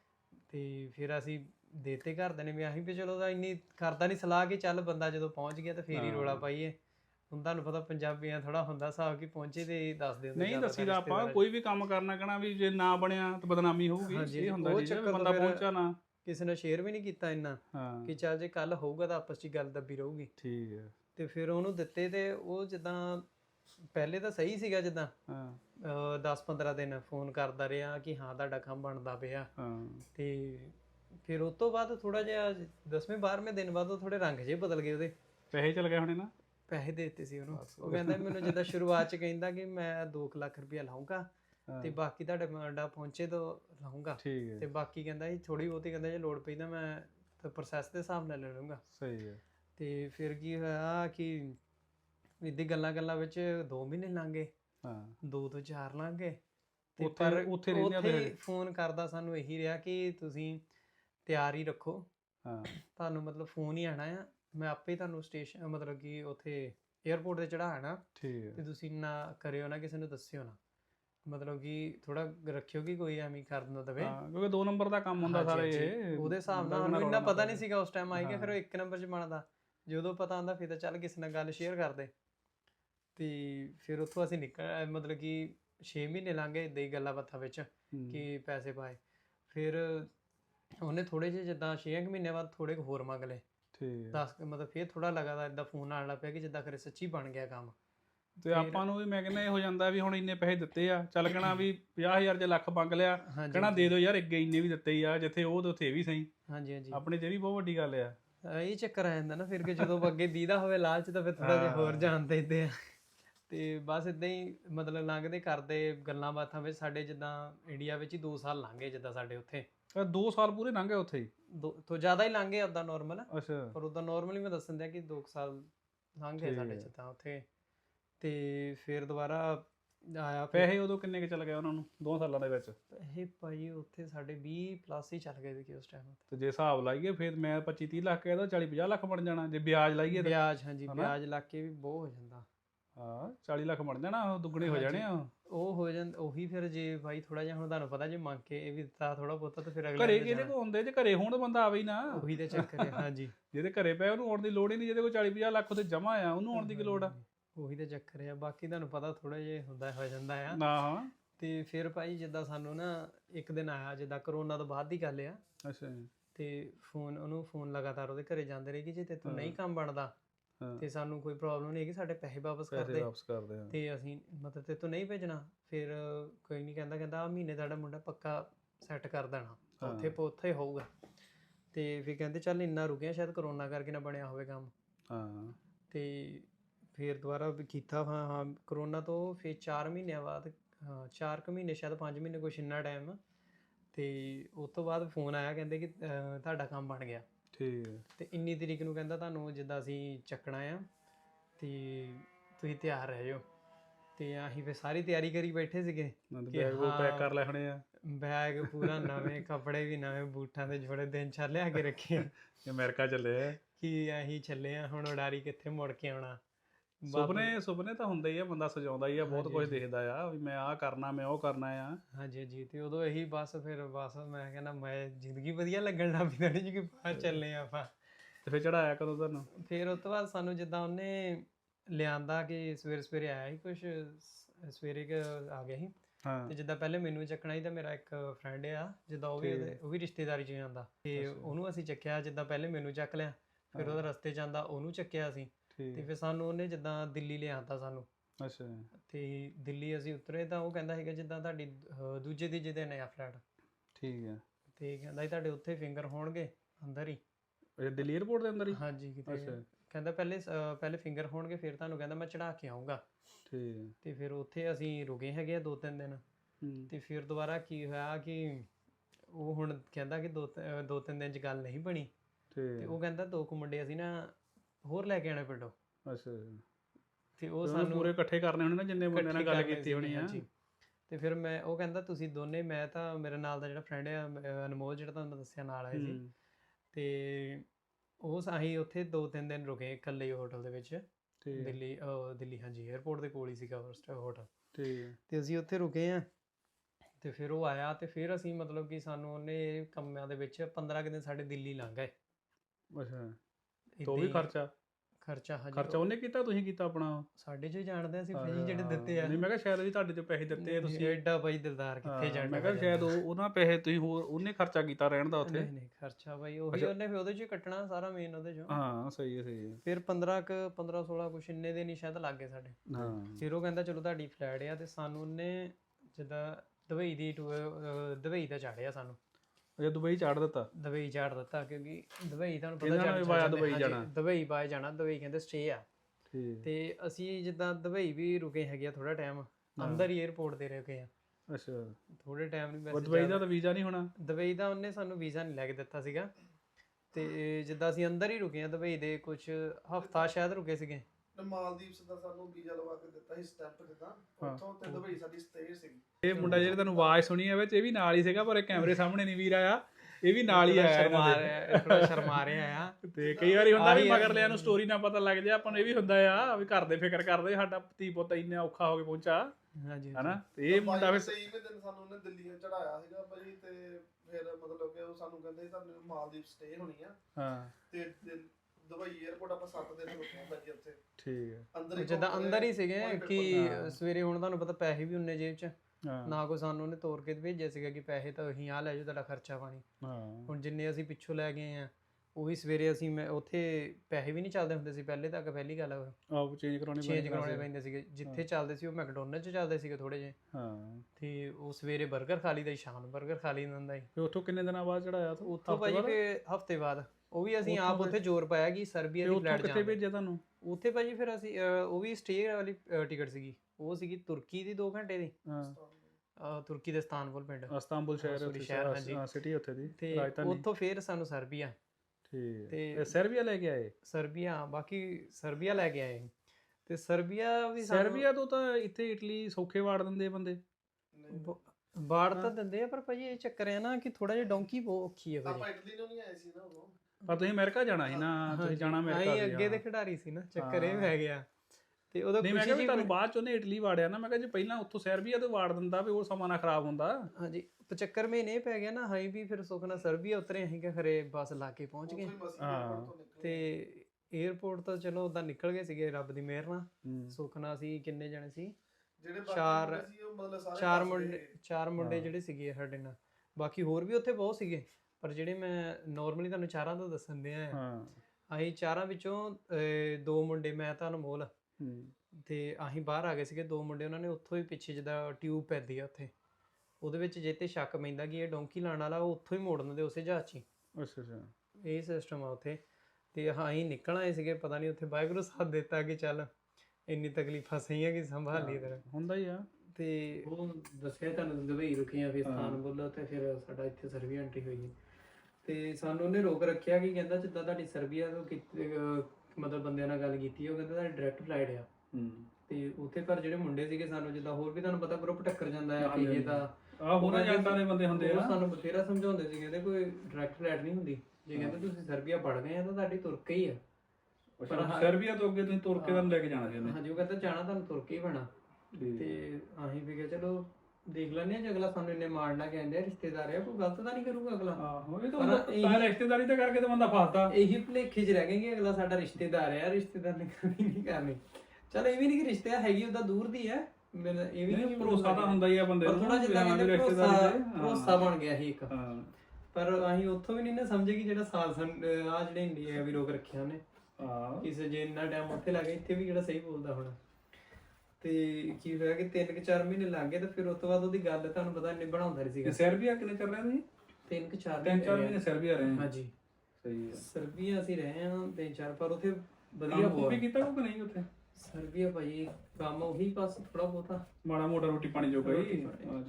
B: ਤੇ ਫਿਰ ਅਸੀਂ ਦੇਤੇ ਘਰਦਿਆਂ ਨੇ ਵੀ, ਅਸੀਂ ਵੀ ਚਲੋ ਤਾਂ ਇੰਨੀ ਕਰਦਾ ਨਹੀਂ ਸਲਾਹ ਕਿ ਚੱਲ ਬੰਦਾ ਜਦੋਂ ਪਹੁੰਚ ਗਿਆ ਤਾਂ ਫੇਰ ਹੀ ਰੌਲਾ ਪਾਈਏ। ਹੁਣ ਤੁਹਾਨੂੰ ਪਤਾ ਪੰਜਾਬੀਆਂ ਥੋੜਾ ਹੁੰਦਾ ਹਿਸਾਬ ਕਿ ਪਹੁੰਚੇ ਤੇ ਦੱਸਦੇ ਹੁੰਦੇ, ਨਹੀਂ ਦੱਸੀਦਾ। ਆਪਾਂ ਕੋਈ ਵੀ ਕੰਮ ਕਰਨਾ ਕਹਿਣਾ ਵੀ ਜੇ ਨਾ ਬਣਿਆ ਤਾਂ ਬਦਨਾਮੀ ਹੋਊਗੀ, ਇਹ ਹੁੰਦਾ ਜੀ, ਬੰਦਾ ਪਹੁੰਚਾ ਨਾ। ਕਿਸੇ ਨੇ ਸ਼ੇਅਰ ਵੀ ਨਹੀਂ ਕੀਤਾ ਇੰਨਾ ਕਿ ਚੱਲ ਜੇ ਕੱਲ ਹੋਊਗਾ ਤਾਂ ਆਪਸ 'ਚ ਗੱਲ ਦੱਬੀ ਰਹੂਗੀ। ਠੀਕ ਹੈ। ਤੇ ਫਿਰ ਉਹਨੂੰ ਦਿੱਤੇ, ਤੇ ਉਹ ਜਿੱਦਾਂ ਪਹਿਲੇ ਤਾਂ ਸਹੀ ਸੀਗਾ, ਜਿੱਦਾਂ 10-15 ਦਿਨ ਫੋਨ ਕਰਦਾ ਰਿਹਾ ਕਿ ਹਾਂ ਤੁਹਾਡਾ ਕੰਮ ਬਣਦਾ ਪਿਆ। ਤੇ ਫਿਰ ਉਸ ਤੋਂ ਬਾਅਦ ਥੋੜਾ ਜਿਹਾ 10ਵੇਂ-12ਵੇਂ ਦਿਨ ਬਾਅਦ ਉਹ ਥੋੜੇ ਰੰਗ ਜਿਹੇ ਬਦਲ ਗਏ ਉਹਦੇ। ਪੈਸੇ ਚਲ ਗਏ ਹੋਣੇ ਨਾ? ਪੈਸੇ ਦੇ ਦਿੱਤੇ ਸੀ ਉਹਨੂੰ। ਉਹ ਕਹਿੰਦਾ ਮੈਨੂੰ ਜਿੱਦਾਂ ਸ਼ੁਰੂਆਤ 'ਚ ਕਹਿੰਦਾ ਕਿ ਮੈਂ 2 ਲੱਖ ਰੁਪਇਆ ਲਾਊਂਗਾ, ਤੇ ਬਾਕੀ ਤੁਹਾਡੇ ਮੁੰਡਾ ਪਹੁੰਚੇ ਤੋਂ ਲਾਊਂਗਾ। ਤੇ ਬਾਕੀ ਕਹਿੰਦਾ ਜੀ ਥੋੜੀ ਬਹੁਤੀ, ਕਹਿੰਦਾ ਜੇ ਲੋੜ ਪਈ ਤਾਂ ਮੈਂ ਪ੍ਰੋਸੈਸ ਦੇ ਹਿਸਾਬ ਨਾਲ ਲੈ ਲੂੰਗਾ। ਸਹੀ ਹੈ। ਤੇ ਫਿਰ ਕੀ ਹੋਇਆ ਕਿ ਇੱਦਾਂ ਗੱਲਾਂ ਵਿੱਚ 2 ਮਹੀਨੇ ਲੰਘ ਗਏ, 2 ਤੋਂ 4 ਲੰਘ ਗਏ। ਤੇ ਪਰ ਉੱਥੇ ਫੋਨ ਕਰਦਾ ਸਾਨੂੰ ਇਹੀ ਰਿਹਾ ਕਿ ਤੁਸੀਂ ਤਿਆਰ ਹੀ ਰੱਖੋ, ਤੁਹਾਨੂੰ ਮਤਲਬ ਫੋਨ ਹੀ ਆਣਾ ਆ, ਮੈਂ ਆਪੇ ਤੁਹਾਨੂੰ ਸਟੇਸ਼ਨ ਮਤਲਬ ਕਿ ਉੱਥੇ ਏਅਰਪੋਰਟ ਤੇ ਚੜ੍ਹਾਉਣਾ, ਤੇ ਤੁਸੀਂ ਨਾ ਕਰਿਓ ਨਾ, ਕਿਸੇ ਨੂੰ ਦੱਸਿਓ ਨਾ, ਮਤਲਬ ਕਿ ਥੋੜਾ ਰੱਖਿਓ ਕਿ ਕੋਈ ਐਵੇਂ ਕਰ ਨਾ ਦਵੇ, ਕਿਉਂਕਿ 2 ਨੰਬਰ ਦਾ ਕੰਮ ਹੁੰਦਾ ਸਾਰਾ ਇਹ। ਉਹਦੇ ਹਿਸਾਬ ਨਾਲ ਸਾਨੂੰ ਇੰਨਾ ਪਤਾ ਨਹੀਂ ਸੀਗਾ ਉਸ ਟਾਈਮ, ਆਈ ਗਿਆ ਫਿਰ 1 ਨੰਬਰ 'ਚ ਬਣਦਾ। ਜਦੋਂ ਪਤਾ ਆਉਂਦਾ ਫਿਰ ਤਾਂ ਚੱਲ ਕਿਸੇ ਨਾਲ ਗੱਲ ਸ਼ੇਅਰ ਕਰਦੇ। ਤੇ ਫਿਰ ਉੱਥੋਂ ਅਸੀਂ ਨਿਕਲ ਮਤਲਬ ਕਿ 6 ਮਹੀਨੇ ਲੰਘ ਗਏ ਏਦਾਂ ਹੀ ਗੱਲਾਂ ਬਾਤਾਂ ਵਿੱਚ ਕਿ ਪੈਸੇ ਪਾਏ। ਫਿਰ ਉਹਨੇ ਥੋੜੇ ਜਿਹੇ ਜਿੱਦਾਂ 6 ਮਹੀਨੇ ਬਾਅਦ ਥੋੜੇ ਕੁ ਹੋਰ ਮੰਗ ਲਏ।
A: ਠੀਕ
B: 10 ਮਤਲਬ ਫਿਰ ਥੋੜਾ ਲਗਾਤਾਰ ਏਦਾਂ ਫੋਨ ਆਉਣ ਲੱਗ ਪਿਆ ਕਿ ਜਿੱਦਾਂ ਕਰੇ ਸੱਚੀ ਬਣ ਗਿਆ ਕੰਮ।
A: ਤੇ ਆਪਾਂ ਨੂੰ ਵੀ ਮੈਂ ਕਹਿੰਦਾ ਇਹ ਹੋ ਜਾਂਦਾ ਵੀ ਹੁਣ ਇੰਨੇ ਪੈਸੇ ਦਿੱਤੇ ਆ, ਚੱਲ ਕਹਿਣਾ ਵੀ 50,000 ਜੇ ਲੱਖ ਮੰਗ ਲਿਆ, ਕਹਿਣਾ ਦੇ ਦਿਓ ਯਾਰ ਅੱਗੇ ਇੰਨੇ ਵੀ ਦਿੱਤੇ ਹੀ ਆ, ਜਿੱਥੇ ਉਹ ਤੇ ਉੱਥੇ ਇਹ ਵੀ ਸਹੀ।
B: ਹਾਂਜੀ
A: ਆਪਣੇ 'ਚ ਇਹ ਵੀ ਬਹੁਤ ਵੱਡੀ ਗੱਲ ਆ।
B: ਇਹ ਚੱਕਰ ਆ ਜਾਂਦਾ ਨਾ ਫਿਰ ਕਿ ਜਦੋਂ ਅੱਗੇ ਦੀਦਾ ਹੋਵੇ ਲਾਲਚ ਤਾਂ ਫਿਰ ਥੋੜਾ ਜਿਹਾ ਹੋਰ ਜਾਣ ਦਿੰਦੇ ਆ। ਤੇ ਬਸ ਇਦਾਂ ਹੀ ਮਤਲਬ ਲੰਘਦੇ ਕਰਦੇ ਗੱਲਾਂ ਬਾਤਾਂ ਵਿੱਚ ਸਾਡੇ ਜਿੱਦਾਂ ਇੰਡੀਆ ਵਿੱਚ ਹੀ 2 ਸਾਲ ਲੰਘੇ ਜਿੱਦਾਂ ਸਾਡੇ ਉੱਥੇ
A: 2 ਸਾਲ ਪੂਰੇ ਲੰਘ ਗਏ ਉੱਥੇ ਹੀ?
B: 2 ਤੋਂ ਜ਼ਿਆਦਾ ਹੀ ਲੰਘੇ ਉਦਾਂ ਨਾਰਮਲ।
A: ਅੱਛਾ।
B: ਪਰ ਉਦਾਂ ਨਾਰਮਲੀ ਮੈਂ ਦੱਸਣ ਦਿਆ ਕਿ 2 ਸਾਲ ਲੰਘ ਗਏ ਸਾਡੇ ਜਿੱਦਾਂ ਉੱਥੇ। ਤੇ ਫਿਰ ਦੁਬਾਰਾ ਆਇਆ।
A: ਪੈਸੇ ਉਦੋਂ ਕਿੰਨੇ ਕੁ ਚੱਲ ਗਏ ਉਹਨਾਂ ਨੂੰ 2 ਸਾਲਾਂ ਦੇ ਵਿੱਚ?
B: ਪੈਸੇ ਭਾਈ ਉੱਥੇ ਸਾਡੇ 20+ ਹੀ ਚੱਲ ਗਏ ਸੀ ਉਸ ਟਾਈਮ।
A: ਤੇ ਜੇ ਹਿਸਾਬ ਲਾਈਏ ਫਿਰ ਮੈਂ 25-30 ਲੱਖ ਕਹਿਦਾ, 40-50 ਲੱਖ ਬਣ ਜਾਣਾ ਜੇ ਵਿਆਜ ਲਾਈਏ।
B: ਵਿਆਜ ਹਾਂਜੀ ਵਿਆਜ ਲਾ ਕੇ ਵੀ ਬਹੁਤ ਹੋ ਜਾਂਦਾ।
A: ਹਾਂ 40 ਲੱਖ ਬਣ ਜਾਣਾ, ਉਹ ਦੁੱਗਣੇ ਹੋ ਜਾਣੇ ਆ।
B: ਉਹ ਹੋ ਜਾਂਦਾ ਉਹੀ। ਫਿਰ ਜੇ ਬਾਈ ਥੋੜਾ ਜਿਹਾ ਹੁਣ ਤੁਹਾਨੂੰ ਪਤਾ ਜੇ ਮੰਗ ਕੇ ਇਹ ਵੀ ਦਿੱਤਾ ਥੋੜਾ ਬਹੁਤਾ ਤਾਂ ਫਿਰ ਅਗਲੇ
A: ਘਰੇ ਕਿਹਦੇ ਕੋਲ ਹੁੰਦੇ, ਜੇ ਘਰੇ ਹੋਣ ਤਾਂ ਬੰਦਾ ਆਵੇ ਹੀ ਨਾ।
B: ਉਹੀ ਤਾਂ ਚੱਕਰ ਹੈ। ਹਾਂਜੀ
A: ਜਿਹਦੇ ਘਰੇ ਪਏ ਉਹਨੂੰ ਆਉਣ ਦੀ ਲੋੜ ਹੀ ਨਹੀਂ, ਜਿਹਦੇ ਕੋਲ 40-50 ਲੱਖ ਉਹਦੇ ਜਮਾ ਆ ਉਹਨੂੰ ਆਉਣ ਦੀ ਕੀ ਲੋੜ ਆ।
B: ਉਹੀ ਤਾਂ ਚੱਕਰ ਆ। ਬਾਕੀ ਤੁਹਾਨੂੰ ਪਤਾ ਥੋੜਾ ਜਿਹਾ ਹੁੰਦਾ ਹੋ ਜਾਂਦਾ ਆ
A: ਨਾ। ਹਾਂ
B: ਤੇ ਫਿਰ ਭਾਈ ਜਿੱਦਾਂ ਸਾਨੂੰ ਨਾ ਇੱਕ ਦਿਨ ਆਇਆ ਜਿੱਦਾਂ ਕਰੋਨਾ ਤੋਂ ਬਾਅਦ ਦੀ ਗੱਲ ਆ।
A: ਅੱਛਾ।
B: ਤੇ ਉਹਨੂੰ ਫੋਨ ਲਗਾਤਾਰ ਉਹਦੇ ਘਰੇ ਜਾਂਦੇ ਰਹੇ ਕਿ ਜੇ ਤੇਤੋਂ ਨਹੀਂ ਕੰਮ ਬਣਦਾ ਤੇ ਸਾਨੂੰ ਕੋਈ ਪ੍ਰੋਬਲਮ ਨਹੀਂ ਹੈਗੀ, ਸਾਡੇ ਪੈਸੇ ਵਾਪਸ ਕਰਦੇ ਤੇ ਅਸੀਂ ਮਤਲਬ ਤੇਤੋਂ ਨਹੀਂ ਭੇਜਣਾ। ਫਿਰ ਕੋਈ ਨਹੀਂ ਕਹਿੰਦਾ ਮਹੀਨੇ ਤੁਹਾਡਾ ਮੁੰਡਾ ਪੱਕਾ ਸੈੱਟ ਕਰ ਦੇਣਾ, ਉੱਥੇ ਹੋਊਗਾ। ਤੇ ਫਿਰ ਕਹਿੰਦੇ ਚੱਲ ਇੰਨਾ ਰੁਕਿਆ ਸ਼ਾਇਦ ਕਰੋਨਾ ਕਰਕੇ ਨਾ ਬਣਿਆ ਹੋਵੇ ਕੰਮ।
A: ਹਾਂ
B: ਤੇ ਫਿਰ ਦੁਬਾਰਾ ਕੀਤਾ। ਹਾਂ ਕਰੋਨਾ ਤੋਂ ਫਿਰ 4 ਮਹੀਨਿਆਂ ਬਾਅਦ 4 ਕੁ ਮਹੀਨੇ ਸ਼ਾਇਦ 5 ਮਹੀਨੇ ਕੁਛ ਇੰਨਾ ਟਾਈਮ। ਤੇ ਉਸ ਤੋਂ ਬਾਅਦ ਫੋਨ ਆਇਆ ਕਹਿੰਦੇ ਕਿ ਤੁਹਾਡਾ ਕੰਮ ਬਣ ਗਿਆ।
A: ਠੀਕ।
B: ਤੇ ਇੰਨੀ ਤਰੀਕ ਨੂੰ ਕਹਿੰਦਾ ਤੁਹਾਨੂੰ ਜਿੱਦਾਂ ਅਸੀਂ ਚੱਕਣਾ ਆ ਤੇ ਤੁਸੀਂ ਤਿਆਰ ਰਹਿ ਜਾਓ। ਤੇ ਅਸੀਂ ਫਿਰ ਸਾਰੀ ਤਿਆਰੀ ਕਰੀ ਬੈਠੇ ਸੀਗੇ ਕਿ
A: ਪੈਕ ਕਰ ਲੈ ਹੋਣੇ ਆ।
B: ਬੈਗ ਪੂਰਾ ਨਵੇਂ, ਕੱਪੜੇ ਵੀ ਨਵੇਂ, ਬੂਟਾਂ ਦੇ ਜੋੜੇ 3-4 ਲਿਆ ਕੇ ਰੱਖੇ
A: ਅਮਰੀਕਾ ਚੱਲੇ ਆ
B: ਕਿ ਅਸੀਂ ਚੱਲੇ ਆ ਹੁਣ ਉਡਾਰੀ ਕਿੱਥੇ ਮੁੜ ਕੇ ਆਉਣਾ।
A: ਸੁਪਨੇ ਤਾਂ ਹੁੰਦਾ ਹੀ ਆ, ਬੰਦਾ ਸਜਾਉਂਦਾ ਹੀ ਆ, ਬਹੁਤ ਕੁਝ ਦੇਖਦਾ ਆ ਵੀ ਮੈਂ ਆਹ ਕਰਨਾ, ਮੈਂ ਉਹ ਕਰਨਾ ਆ।
B: ਹਾਂਜੀ ਤੇ ਉਦੋਂ ਇਹੀ ਬਸ ਮੈਂ ਕਹਿੰਦਾ ਮੈਂ ਜ਼ਿੰਦਗੀ ਵਧੀਆ ਲੱਗਣ ਲੱਗ ਪਈ ਥੋੜੀ ਜਿਹੀ ਬਾਹਰ ਚੱਲੇ ਆਪਾਂ।
A: ਤੇ ਫਿਰ ਚੜਾਇਆ ਕਦੋਂ ਤੁਹਾਨੂੰ?
B: ਫਿਰ ਉਸ ਤੋਂ ਬਾਅਦ ਸਾਨੂੰ ਜਿੱਦਾਂ ਉਹਨੇ ਲਿਆਂਦਾ ਕਿ ਸਵੇਰੇ ਆਇਆ ਸੀ ਕੁਛ ਸਵੇਰੇ ਆ ਗਿਆ ਸੀ। ਤੇ ਜਿੱਦਾਂ ਪਹਿਲੇ ਮੈਨੂੰ ਚੱਕਣਾ ਸੀ ਤਾਂ ਮੇਰਾ ਇੱਕ ਫਰੈਂਡ ਆ ਜਿੱਦਾਂ ਉਹ ਵੀ ਰਿਸ਼ਤੇਦਾਰੀ 'ਚ ਜਾਂਦਾ ਤੇ ਉਹਨੂੰ ਅਸੀਂ ਚੱਕਿਆ। ਜਿੱਦਾਂ ਪਹਿਲੇ ਮੈਨੂੰ ਚੱਕ ਲਿਆ, ਫਿਰ ਉਹਦਾ ਰਸਤੇ 'ਚ ਆਉਂਦਾ ਉਹਨੂੰ ਚੱਕਿਆ ਅਸੀਂ। ਤੇ ਫਿਰ ਸਾਨੂੰ ਉਹਨੇ ਜਿੱਦਾਂ ਦਿੱਲੀ ਲਿਆਂਦਾ ਸਾਨੂੰ।
A: ਅੱਛਾ।
B: ਤੇ ਦਿੱਲੀ ਅਸੀਂ ਉਤਰੇ ਤਾਂ ਉਹ ਕਹਿੰਦਾ ਸੀਗਾ ਜਿੱਦਾਂ ਤੁਹਾਡੀ ਦੂਜੇ ਤੀਜੇ ਦਿਨ ਆ ਫਲੈਟ।
A: ਠੀਕ ਹੈ।
B: ਤੇ ਕਹਿੰਦਾ ਸੀ ਤੁਹਾਡੇ ਉੱਥੇ ਫਿੰਗਰ ਹੋਣਗੇ ਅੰਦਰ ਹੀ।
A: ਦਿੱਲੀ 에ਅਰਪੋਰਟ ਦੇ ਅੰਦਰ ਹੀ?
B: ਹਾਂਜੀ ਕਹਿੰਦਾ ਪਹਿਲੇ ਫਿੰਗਰ ਹੋਣਗੇ ਫਿਰ ਤੁਹਾਨੂੰ ਕਹਿੰਦਾ ਮੈਂ ਚੜਾ ਕੇ ਆਊਂਗਾ।
A: ਠੀਕ।
B: ਤੇ ਫਿਰ ਉੱਥੇ ਅਸੀਂ ਰੁਕੇ ਹੈਗੇ 2-3 ਦਿਨ। ਤੇ ਫਿਰ ਦੁਬਾਰਾ ਕੀ ਹੋਇਆ ਕਿ ਉਹ ਹੁਣ ਕਹਿੰਦਾ ਕਿ 2-3 ਦਿਨ 'ਚ ਗੱਲ ਨਹੀਂ ਬਣੀ। ਤੇ ਉਹ ਕਹਿੰਦਾ 2 ਕੁ ਮੁੰਡੇ ਅਸੀਂ ਨਾ ਹੋਰ ਲੈ ਕੇ ਆਣੇ ਪਿੰਡੋਂ।
A: ਅੱਛਾ।
B: ਤੇ ਉਹ ਸਾਨੂੰ
A: ਪੂਰੇ ਇਕੱਠੇ ਕਰਨੇ ਹੋਣੇ ਨਾ ਜਿੰਨੇ ਮੁੰਡਿਆਂ ਨਾਲ ਗੱਲ ਕੀਤੀ ਹੋਣੀ ਆ।
B: ਤੇ ਫਿਰ ਉਹ ਕਹਿੰਦਾ ਤੁਸੀਂ ਦੋਨੇ, ਮੈਂ ਤਾਂ ਮੇਰੇ ਨਾਲ ਦਾ ਜਿਹੜਾ ਫਰੈਂਡ ਆ ਅਨਮੋਲ ਜਿਹੜਾ ਤੁਹਾਨੂੰ ਮੈਂ ਦੱਸਿਆ ਨਾਲ ਆਏ ਸੀ। ਤੇ ਅਸੀਂ ਉੱਥੇ 2-3 ਦਿਨ ਰੁਕੇ ਇਕੱਲੇ ਹੋਟਲ ਦੇ ਵਿੱਚ ਦਿੱਲੀ ਹਾਂਜੀ 에ਅਰਪੋਰਟ ਦੇ ਕੋਲ ਹੀ ਸੀਗਾ ਹੋਟਲ। ਤੇ ਅਸੀਂ ਉੱਥੇ ਰੁਕੇ ਆ। ਤੇ ਫਿਰ ਉਹ ਆਇਆ ਤੇ ਫਿਰ ਅਸੀਂ ਮਤਲਬ ਕਿ ਸਾਨੂੰ ਉਹਨੇ ਕੰਮਾਂ ਦੇ ਵਿੱਚ 15 ਕੁ ਦਿਨ ਸਾਡੇ ਦਿੱਲੀ ਲੰਘ ਗਏ।
A: ਅੱਛਾ। ਤੋਂ ਵੀ ਖਰਚਾ
B: ਹਾਂਜੀ
A: ਉਹਨੇ ਕੀਤਾ ਤੁਸੀਂ ਕੀਤਾ ਆਪਣਾ?
B: ਸਾਡੇ ਚੋਂ ਹੀ ਜਾਣਦੇ ਅਸੀਂ ਭਾਜੀ ਜਿਹੜੇ ਦਿੱਤੇ ਆ।
A: ਨਹੀਂ ਮੈਂ ਕਿਹਾ ਸ਼ਾਇਦ ਵੀ ਤੁਹਾਡੇ ਚੋਂ ਪੈਸੇ ਦਿੱਤੇ ਆ ਤੁਸੀਂ।
B: ਐਡਾ ਭਾਈ ਦਿਲਦਾਰ ਕਿੱਥੇ ਜਾਣਾ।
A: ਮੈਂ ਕਿਹਾ ਸ਼ਾਇਦ ਉਹਨਾਂ ਪੈਸੇ ਤੁਸੀਂ ਹੋਰ ਉਹਨੇ ਖਰਚਾ ਕੀਤਾ ਰਹਿਣ ਦਾ ਉੱਥੇ।
B: ਨਹੀਂ ਖਰਚਾ ਭਾਈ ਉਹੀ ਉਹਨੇ ਫਿਰ ਉਹਦੇ ਚੋਂ ਕੱਟਣਾ ਸਾਰਾ ਮੇਨ ਉਹਦੇ ਚੋਂ।
A: ਹਾਂ ਸਹੀ ਹੈ। ਫਿਰ
B: 15-16 ਕੁਛ ਇੰਨੇ ਦਿਨ ਹੀ ਸ਼ਾਇਦ ਲੱਗ ਗਏ ਸਾਡੇ। ਫਿਰ ਉਹ ਕਹਿੰਦਾ ਚਲੋ ਤੁਹਾਡੀ ਫਲੈਟ ਆ ਤੇ ਸਾਨੂੰ ਉਹਨੇ ਜਿੱਦਾਂ ਦੁਬਈ ਦਾ ਚਾੜਿਆ ਸਾਨੂੰ।
A: ਦੁਬਈ ਚਾੜ
B: ਦਿੱਤਾ ਕਿਉਂਕਿ ਦੁਬਈ ਤੁਹਾਨੂੰ ਪਤਾ ਦੁਬਈ ਬਾਏ ਜਾਣਾ। ਦੁਬਈ ਕਹਿੰਦੇ ਸਟੇ ਆ। ਤੇ ਅਸੀਂ ਜਿੱਦਾਂ ਦੁਬਈ ਵੀ ਰੁਕੇ ਹੈਗੇ ਆ ਥੋੜਾ ਟਾਈਮ ਅੰਦਰ ਹੀ 에ਅਰਪੋਰਟ ਤੇ ਰੁਕੇ ਆ।
A: ਅੱਛਾ।
B: ਥੋੜੇ ਟਾਈਮ ਨਹੀਂ।
A: ਦੁਬਈ ਦਾ ਤਾਂ ਵੀਜ਼ਾ ਨਹੀਂ ਹੋਣਾ?
B: ਦੁਬਈ ਦਾ ਉਹਨੇ ਸਾਨੂੰ ਵੀਜ਼ਾ ਨਹੀਂ ਲੈ ਕੇ ਦਿੱਤਾ ਸੀਗਾ। ਤੇ ਜਿੱਦਾਂ ਅਸੀਂ ਅੰਦਰ ਹੀ ਰੁਕੇ ਆ ਦੁਬਈ ਦੇ ਕੁਛ ਹਫ਼ਤਾ ਸ਼ਾਇਦ ਰੁਕੇ ਸੀਗੇ।
C: ਮਾਲਦੀਵਸ ਦਾ ਸਾਨੂੰ ਵੀਜ਼ਾ ਲਵਾ ਕੇ ਦਿੱਤਾ ਸੀ ਸਟੈਂਪ ਜਿੱਦਾਂ ਉੱਥੋਂ ਤੇ ਦੁਬਈ ਸਾਡੀ ਸਟੇ ਸੀਗੀ।
A: ਇਹ ਮੁੰਡਾ ਜਿਹੜਾ ਤੁਹਾਨੂੰ ਆਵਾਜ਼ ਸੁਣੀ ਆ ਵਿੱਚ ਇਹ ਵੀ ਨਾਲ ਹੀ ਸੀਗਾ ਪਰ ਕੈਮਰੇ ਸਾਹਮਣੇ ਨਹੀਂ ਵੀਰ ਆਇਆ। ਇਹ ਵੀ ਨਾਲ ਹੀ ਆਇਆ।
B: ਸ਼ਰਮਾ ਰਿਹਾ ਆ।
A: ਤੇ ਕਈ ਵਾਰੀ ਹੁੰਦਾ ਵੀ ਮਗਰਲਿਆਂ ਨੂੰ ਸਟੋਰੀ ਨਾ ਪਤਾ ਲੱਗ ਜਾ ਆਪਾਂ ਨੂੰ। ਇਹ ਵੀ ਹੁੰਦਾ ਆ ਵੀ ਘਰ ਦੇ ਫਿਕਰ ਕਰਦੇ ਸਾਡਾ ਧੀ ਪੁੱਤ ਇੰਨਾ ਔਖਾ ਹੋ ਕੇ ਪਹੁੰਚਾ ਹਨਾ। ਤੇ ਇਹ ਮੁੰਡਾ ਫਿਰ
C: 23ਵੇਂ ਦਿਨ ਸਾਨੂੰ ਉਹਨੇ ਦਿੱਲੀ ਚੜਾਇਆ ਸੀਗਾ ਭਾਜੀ। ਤੇ ਫਿਰ ਮਤਲਬ ਕਿ ਉਹ ਸਾਨੂੰ ਕਹਿੰਦੇ ਤੁਹਾਨੂੰ ਮਾਲਦੀਵ ਸਟੇ ਹੋਣੀ ਆ।
A: ਹਾਂ।
C: ਤੇ ਦੁਬਈ 에ਅਰਪੋਰਟ ਆਪਾਂ 7 ਦਿਨ ਰੁਕੇ ਹੁੰਦਾ ਜੀ ਉੱਥੇ।
A: ਠੀਕ ਹੈ।
C: ਅੰਦਰ ਹੀ
B: ਜਿੱਦਾਂ
C: ਘੁੰਮ
B: ਅੰਦਰ ਹੀ
C: ਰਹੇ,
B: ਸੀਗੇ
C: monitor
B: ਕਿ
C: ਕੋਲ।
B: ਸਵੇਰੇ ਹੁਣ ਤੁਹਾਨੂੰ ਪਤਾ ਪੈਸੇ ਵੀ ਉਨੇ ਜੇਬ 'ਚ
A: ਹਾਂ
B: ਨਾ ਕੋਈ ਸਾਨੂੰ ਉਹਨੇ ਤੋਰ ਕੇ ਭੇਜਿਆ ਸੀਗਾ ਕਿ ਪੈਸੇ ਤਾਂ ਅਸੀਂ ਆ ਲੈ ਜਾਓ ਤੁਹਾਡਾ ਖਰਚਾ ਪਾਣੀ।
A: ਹਾਂ
B: ਹੁਣ ਜਿੰਨੇ ਅਸੀਂ ਪਿੱਛੋਂ ਲੈ ਗਏ ਆ ਉਹੀ ਸਵੇਰੇ ਅਸੀਂ ਮੈਂ ਉੱਥੇ ਪੈਸੇ ਵੀ ਨਹੀਂ ਚੱਲਦੇ ਹੁੰਦੇ ਸੀ ਪਹਿਲੇ ਤੱਕ, ਪਹਿਲੀ ਗੱਲ
A: ਆਪ ਚੇਂਜ ਕਰਾਉਣੇ
B: ਚੇਂਜ ਕਰਾਉਣੇ ਪੈਂਦੇ ਸੀਗੇ। ਜਿੱਥੇ ਚੱਲਦੇ ਸੀ ਉਹ ਮੈਕਡੋਨਲਡ 'ਚ ਚੱਲਦੇ ਸੀਗੇ ਥੋੜੇ ਜਿਹੇ,
A: ਹਾਂ।
B: ਤੇ ਉਹ ਸਵੇਰੇ 버ਗਰ ਖਾ ਲਈਦਾ ਸੀ, ਸ਼ਾਮ ਨੂੰ 버ਗਰ ਖਾ ਲਈ ਹੁੰਦਾ ਸੀ।
A: ਤੇ ਉੱਥੋਂ ਕਿੰਨੇ ਦਿਨਾਂ ਬਾਅਦ ਚੜਾਇਆ ਤੂੰ?
B: ਉੱਥੋਂ ਭਾਜੀ ਫਿਰ ਹਫਤੇ ਬਾਅਦ ਉਹ ਵੀ ਅਸੀਂ ਆਪ ਉੱਥੇ ਜ਼ੋਰ ਪਾਇਆ ਕਿ ਸਰਬੀਆ ਦੀ ਫਲਾਈਟ
A: ਕਿੱਥੇ ਭੇਜਿਆ ਤੁਹਾਨੂੰ?
B: ਉੱਥੇ ਭਾਜੀ ਫਿਰ ਅਸੀਂ ਉਹ ਵੀ ਸਟੇ ਵਾਲੀ ਟਿਕਟ ਸੀਗੀ, ਉਹ ਸੀਗੀ ਤੁਰਕੀ ਦੀ 2 ਘੰਟੇ ਦੀ। ਤੁਰਕੀ ਦੇ ਇਸਤਾਨਬੁਲ ਪਿੰਡ,
A: ਇਸਤਾਨਬੁਲ ਸ਼ਹਿਰ
B: ਸ਼ਹਿਰ
A: ਸਿਟੀ ਉੱਥੇ ਦੀ
B: ਤੇ
A: ਰਾਜਧਾਨੀ।
B: ਉੱਥੋਂ ਫਿਰ ਸਾਨੂੰ ਸਰਬੀਆ,
A: ਠੀਕ
B: ਤੇ
A: ਤੇ ਸਰਬੀਆ ਲੈ ਕੇ ਆਏ?
B: ਸਰਬੀਆ ਬਾਕੀ ਸਰਬੀਆ ਲੈ ਕੇ ਆਏ ਤੇ ਸਰਬੀਆ ਵੀ
A: ਸਰਬੀਆ ਤੋਂ ਤਾਂ ਇੱਥੇ ਇਟਲੀ ਸੌਖੇ ਵਾੜ ਦਿੰਦੇ ਬੰਦੇ।
B: ਬਾੜ ਤਾਂ ਦਿੰਦੇ ਆ, ਪਰ ਭਾਜੀ ਇਹ ਚੱਕਰ ਹੈ ਨਾ ਕਿ ਥੋੜਾ ਜਿਹਾ ਡੋਂਕੀ ਬਹੁਤ ਔਖੀ ਹੈ
C: ਆਪਾਂ
B: ਭਾਜੀ।
C: ਇਟਲੀ ਨੂੰ ਨਹੀਂ ਆਏ ਸੀ ਨਾ ਉਦੋਂ।
A: ਪਰ ਤੁਸੀਂ ਅਮਰੀਕਾ ਜਾਣਾ ਸੀ ਨਾ, ਤੁਸੀਂ ਜਾਣਾ ਅਮਰੀਕਾ
B: ਅਸੀਂ
A: ਸੀ।
B: ਅੱਗੇ ਦੇ ਖਿਡਾਰੀ ਸੀ ਨਾ, ਚੱਕਰ ਇਹ ਪੈ ਗਿਆ। ਤੇ ਉਦੋਂ
A: ਨਹੀਂ, ਮੈਂ ਕਿਹਾ ਵੀ ਤੁਹਾਨੂੰ ਬਾਅਦ ਚ ਉਹਨੇ ਇਟਲੀ ਵਾੜਿਆ ਨਾ, ਮੈਂ ਕਿਹਾ ਜੇ ਪਹਿਲਾਂ ਉੱਥੋਂ ਸਰਬੀਆ ਤੋਂ ਵਾੜ ਦਿੰਦਾ ਵੀ ਉਹ ਸਮਾਂ ਨਾ ਖਰਾਬ ਹੁੰਦਾ।
B: ਹਾਂਜੀ, ਤੇ ਚੱਕਰ ਮੇ ਇਹ ਪੈ ਗਿਆ ਨਾ, ਅਸੀਂ ਵੀ ਫਿਰ ਸੁਖਨਾ ਸਰਬੀਆ ਉਤਰੇ, ਅਸੀਂ ਕਿ ਖਰੇ ਬੱਸ ਲਾ ਕੇ ਪਹੁੰਚ ਗਏ ਤੇ 에ਅਰਪੋਰਟ ਤੋਂ ਚਲੋ ਉਦਾਂ ਨਿਕਲ ਗਏ ਸੀਗੇ ਰੱਬ ਦੀ ਮਿਹਰ ਨਾਲ। ਸੁਖਨਾ ਸੀ ਕਿੰਨੇ ਜਣੇ ਸੀ?
C: ਜਿਹੜੇ
B: ਚਾਰ ਮੁੰਡੇ ਜਿਹੜੇ ਸੀਗੇ ਸਾਡੇ ਨਾਲ, ਬਾਕੀ ਹੋਰ ਵੀ ਉੱਥੇ ਬਹੁਤ ਸੀਗੇ, ਪਰ ਜਿਹੜੇ ਮੈਂ ਨਾਰਮਲੀ ਤੁਹਾਨੂੰ ਚਾਰਾਂ ਤੋਂ ਦੱਸਣ ਦੇ ਆ। ਅਸੀਂ ਚਾਰਾਂ ਵਿੱਚੋਂ 2 ਮੁੰਡੇ, ਮੈਂ ਤਾਂ ਅਨਮੋਲ, ਤੇ ਅਸੀਂ ਬਾਹਰ ਆ ਗਏ ਸੀਗੇ। 2 ਮੁੰਡੇ ਉਹਨਾਂ ਨੇ ਉੱਥੋਂ ਹੀ ਪਿੱਛੇ ਜਿੱਦਾਂ ਟਿਊਬ ਪੈਂਦੀ ਆ ਉੱਥੇ, ਉਹਦੇ ਵਿੱਚ ਜੇ ਤੇ ਸ਼ੱਕ ਪੈਂਦਾ ਕਿ ਇਹ ਡੋਂਕੀ ਲਾਣ ਵਾਲਾ, ਉਹ ਉੱਥੋਂ ਹੀ ਮੋੜ ਦਿੰਦੇ ਉਸੇ ਜਹਾਜ਼ 'ਚ ਹੀ।
A: ਅੱਛਾ ਅੱਛਾ,
B: ਇਹ ਸਿਸਟਮ ਆ ਉੱਥੇ। ਤੇ ਅਸੀਂ ਨਿਕਲ ਆਏ ਸੀਗੇ, ਪਤਾ ਨਹੀਂ ਉੱਥੇ ਵਾਹਿਗੁਰੂ ਸਾਥ ਦਿੱਤਾ ਕਿ ਚੱਲ ਇੰਨੀ ਤਕਲੀਫਾਂ ਸਹੀਆਂ ਕਿ ਸੰਭਾਲ ਲਈ ਤੇਰਾ
A: ਹੁੰਦਾ ਹੀ ਆ।
B: ਤੇ ਉਹ ਦੱਸਿਆ ਤੁਹਾਨੂੰ ਦੁਬਈ ਰੁਕੇ ਆ, ਫਿਰ ਇਸਤਾਨਬੁਲ, ਤੇ ਫਿਰ ਸਾਡਾ ਇੱਥੇ ਸਰਬੀਆ ਐਂਟਰੀ ਹੋਈ। ਤੇ ਸਾਨੂੰ ਉਹਨੇ ਰੋਕ ਰੱਖਿਆ ਕਿ ਕਹਿੰਦਾ ਜਿੱਦਾਂ ਤੁਹਾਡੀ ਸਰਬੀਆ ਤੋਂ ਮਤਲਬ ਬੰਦਿਆਂ ਨਾਲ ਗੱਲ ਕੀਤੀ, ਉਹ ਕਹਿੰਦਾ ਤੁਹਾਡੀ ਡਾਇਰੈਕਟ ਫਲਾਈਟ ਆ। ਤੇ ਉੱਥੇ ਪਰ ਜਿਹੜੇ ਮੁੰਡੇ ਸੀਗੇ, ਸਾਨੂੰ ਜਿੱਦਾਂ ਹੋਰ ਵੀ ਤੁਹਾਨੂੰ ਪਤਾ ਗਰੁੱਪ ਟੱਕਰ ਜਾਂਦਾ ਹੈ ਪੀਏ ਦਾ,
A: ਹੋਰਾਂ ਏਜੰਟਾਂ ਦੇ ਬੰਦੇ ਹੁੰਦੇ ਆ,
B: ਸਾਨੂੰ ਬਥੇਰਾ ਸਮਝਾਉਂਦੇ ਸੀ, ਕਹਿੰਦੇ ਕੋਈ ਡਾਇਰੈਕਟ ਫਲਾਈਟ ਨਹੀਂ ਹੁੰਦੀ, ਜੇ ਕਹਿੰਦੇ ਤੁਸੀਂ ਸਰਬੀਆ ਵੜ ਗਏ ਆ ਤਾਂ ਤੁਹਾਡੀ ਤੁਰਕੇ ਹੀ ਆ।
A: ਪਰ ਸਰਬੀਆ ਤੋਂ ਅੱਗੇ ਤੁਸੀਂ ਤੁਰਕੇ ਤੁਹਾਨੂੰ ਲੈ ਕੇ ਜਾਣਾ ਸੀ ਉਹਨੇ?
B: ਹਾਂਜੀ, ਉਹ ਕਹਿੰਦਾ ਜਾਣਾ ਤੁਹਾਨੂੰ ਤੁਰਕੇ ਹੀ ਪੈਣਾ। ਤੇ ਅਸੀਂ ਵੀ ਕਿਹਾ ਚਲੋ ਦੇਖ ਲੈਂਦੇ ਆ, ਜੇ ਅਗਲਾ ਸਾਨੂੰ ਇੰਨੇ ਮਾਰਨਾ ਕਹਿੰਦੇ ਆ, ਰਿਸ਼ਤੇਦਾਰ ਆ, ਕੋਈ ਗਲਤ ਤਾਂ ਨਹੀਂ ਕਰੂਗਾ ਅਗਲਾ।
A: ਆਹੋ, ਇਹ ਤਾਂ ਰਿਸ਼ਤੇਦਾਰੀ ਤਾਂ ਕਰਕੇ ਤਾਂ ਬੰਦਾ ਫਸਦਾ।
B: ਇਹੀ ਭੁਲੇਖੇ 'ਚ ਰਹਿ ਗਏ ਕਿ ਅਗਲਾ ਸਾਡਾ ਰਿਸ਼ਤੇਦਾਰ ਆ, ਰਿਸ਼ਤੇਦਾਰ ਨੇ ਕਦੀ ਨਹੀਂ ਕਰਨੀ। ਚਲ ਇਹ ਵੀ ਨਹੀਂ ਕਿ ਰਿਸ਼ਤੇ ਹੈਗੀ ਉਹਦਾ ਦੂਰ ਦੀ ਹੈ, ਇਹ ਵੀ ਨਹੀਂ,
A: ਭਰੋਸਾ ਤਾਂ ਹੁੰਦਾ ਹੀ ਆ ਬੰਦੇ ਨੂੰ,
B: ਥੋੜਾ ਜਿਹਾ ਭਰੋਸਾ ਬਣ ਗਿਆ ਸੀ ਇੱਕ। ਪਰ ਅਸੀਂ ਉੱਥੋਂ ਵੀ ਨਹੀਂ ਨਾ ਸਮਝੇ ਕਿ ਜਿਹੜਾ ਸਾਲ ਆ ਜਿਹੜੇ ਇੰਡੀਆ ਵੀ ਰੋਕ ਰੱਖਿਆ ਉਹਨੇ, ਕਿਸੇ ਜੇ ਇੰਨਾ ਟਾਈਮ ਉੱਥੇ ਲੱਗ ਗਿਆ, ਇੱਥੇ ਵੀ ਜਿਹੜਾ ਸਹੀ ਬੋਲਦਾ ਹੁਣ। ਤੇ ਕੀ ਹੋਇਆ ਕਿ 3-4 ਮਹੀਨੇ ਲੱਗ ਗਏ, ਤੇ ਫਿਰ ਉਸ ਤੋਂ ਬਾਅਦ ਉਹਦੀ ਗੱਲ ਤੁਹਾਨੂੰ ਪਤਾ ਇੰਨੇ ਬਣਾਉਂਦਾ ਨਹੀਂ ਸੀਗਾ।
A: ਸਰਬੀਆ ਕਿੰਨੇ ਚੱਲ ਰਹੇ ਸੀ?
B: 3-4
A: ਮਹੀਨੇ ਸਰਬੀਆ ਰਹੇ।
B: ਹਾਂਜੀ,
A: ਸਹੀ ਹੈ।
B: ਸਰਬੀਆ ਅਸੀਂ ਰਹੇ ਹਾਂ 3-4, ਪਰ ਉੱਥੇ ਵਧੀਆ
A: ਉਹ ਵੀ ਕੀਤਾ ਕਿ ਨਹੀਂ ਉੱਥੇ?
B: ਸਰਬੀਆ ਭਾਈ ਕੰਮ ਉਹੀ ਬਸ ਥੋੜਾ ਬਹੁਤਾ
A: ਮਾੜਾ ਮੋਟਾ ਰੋਟੀ ਪਾਣੀ ਜੋਗਾ ਹੀ।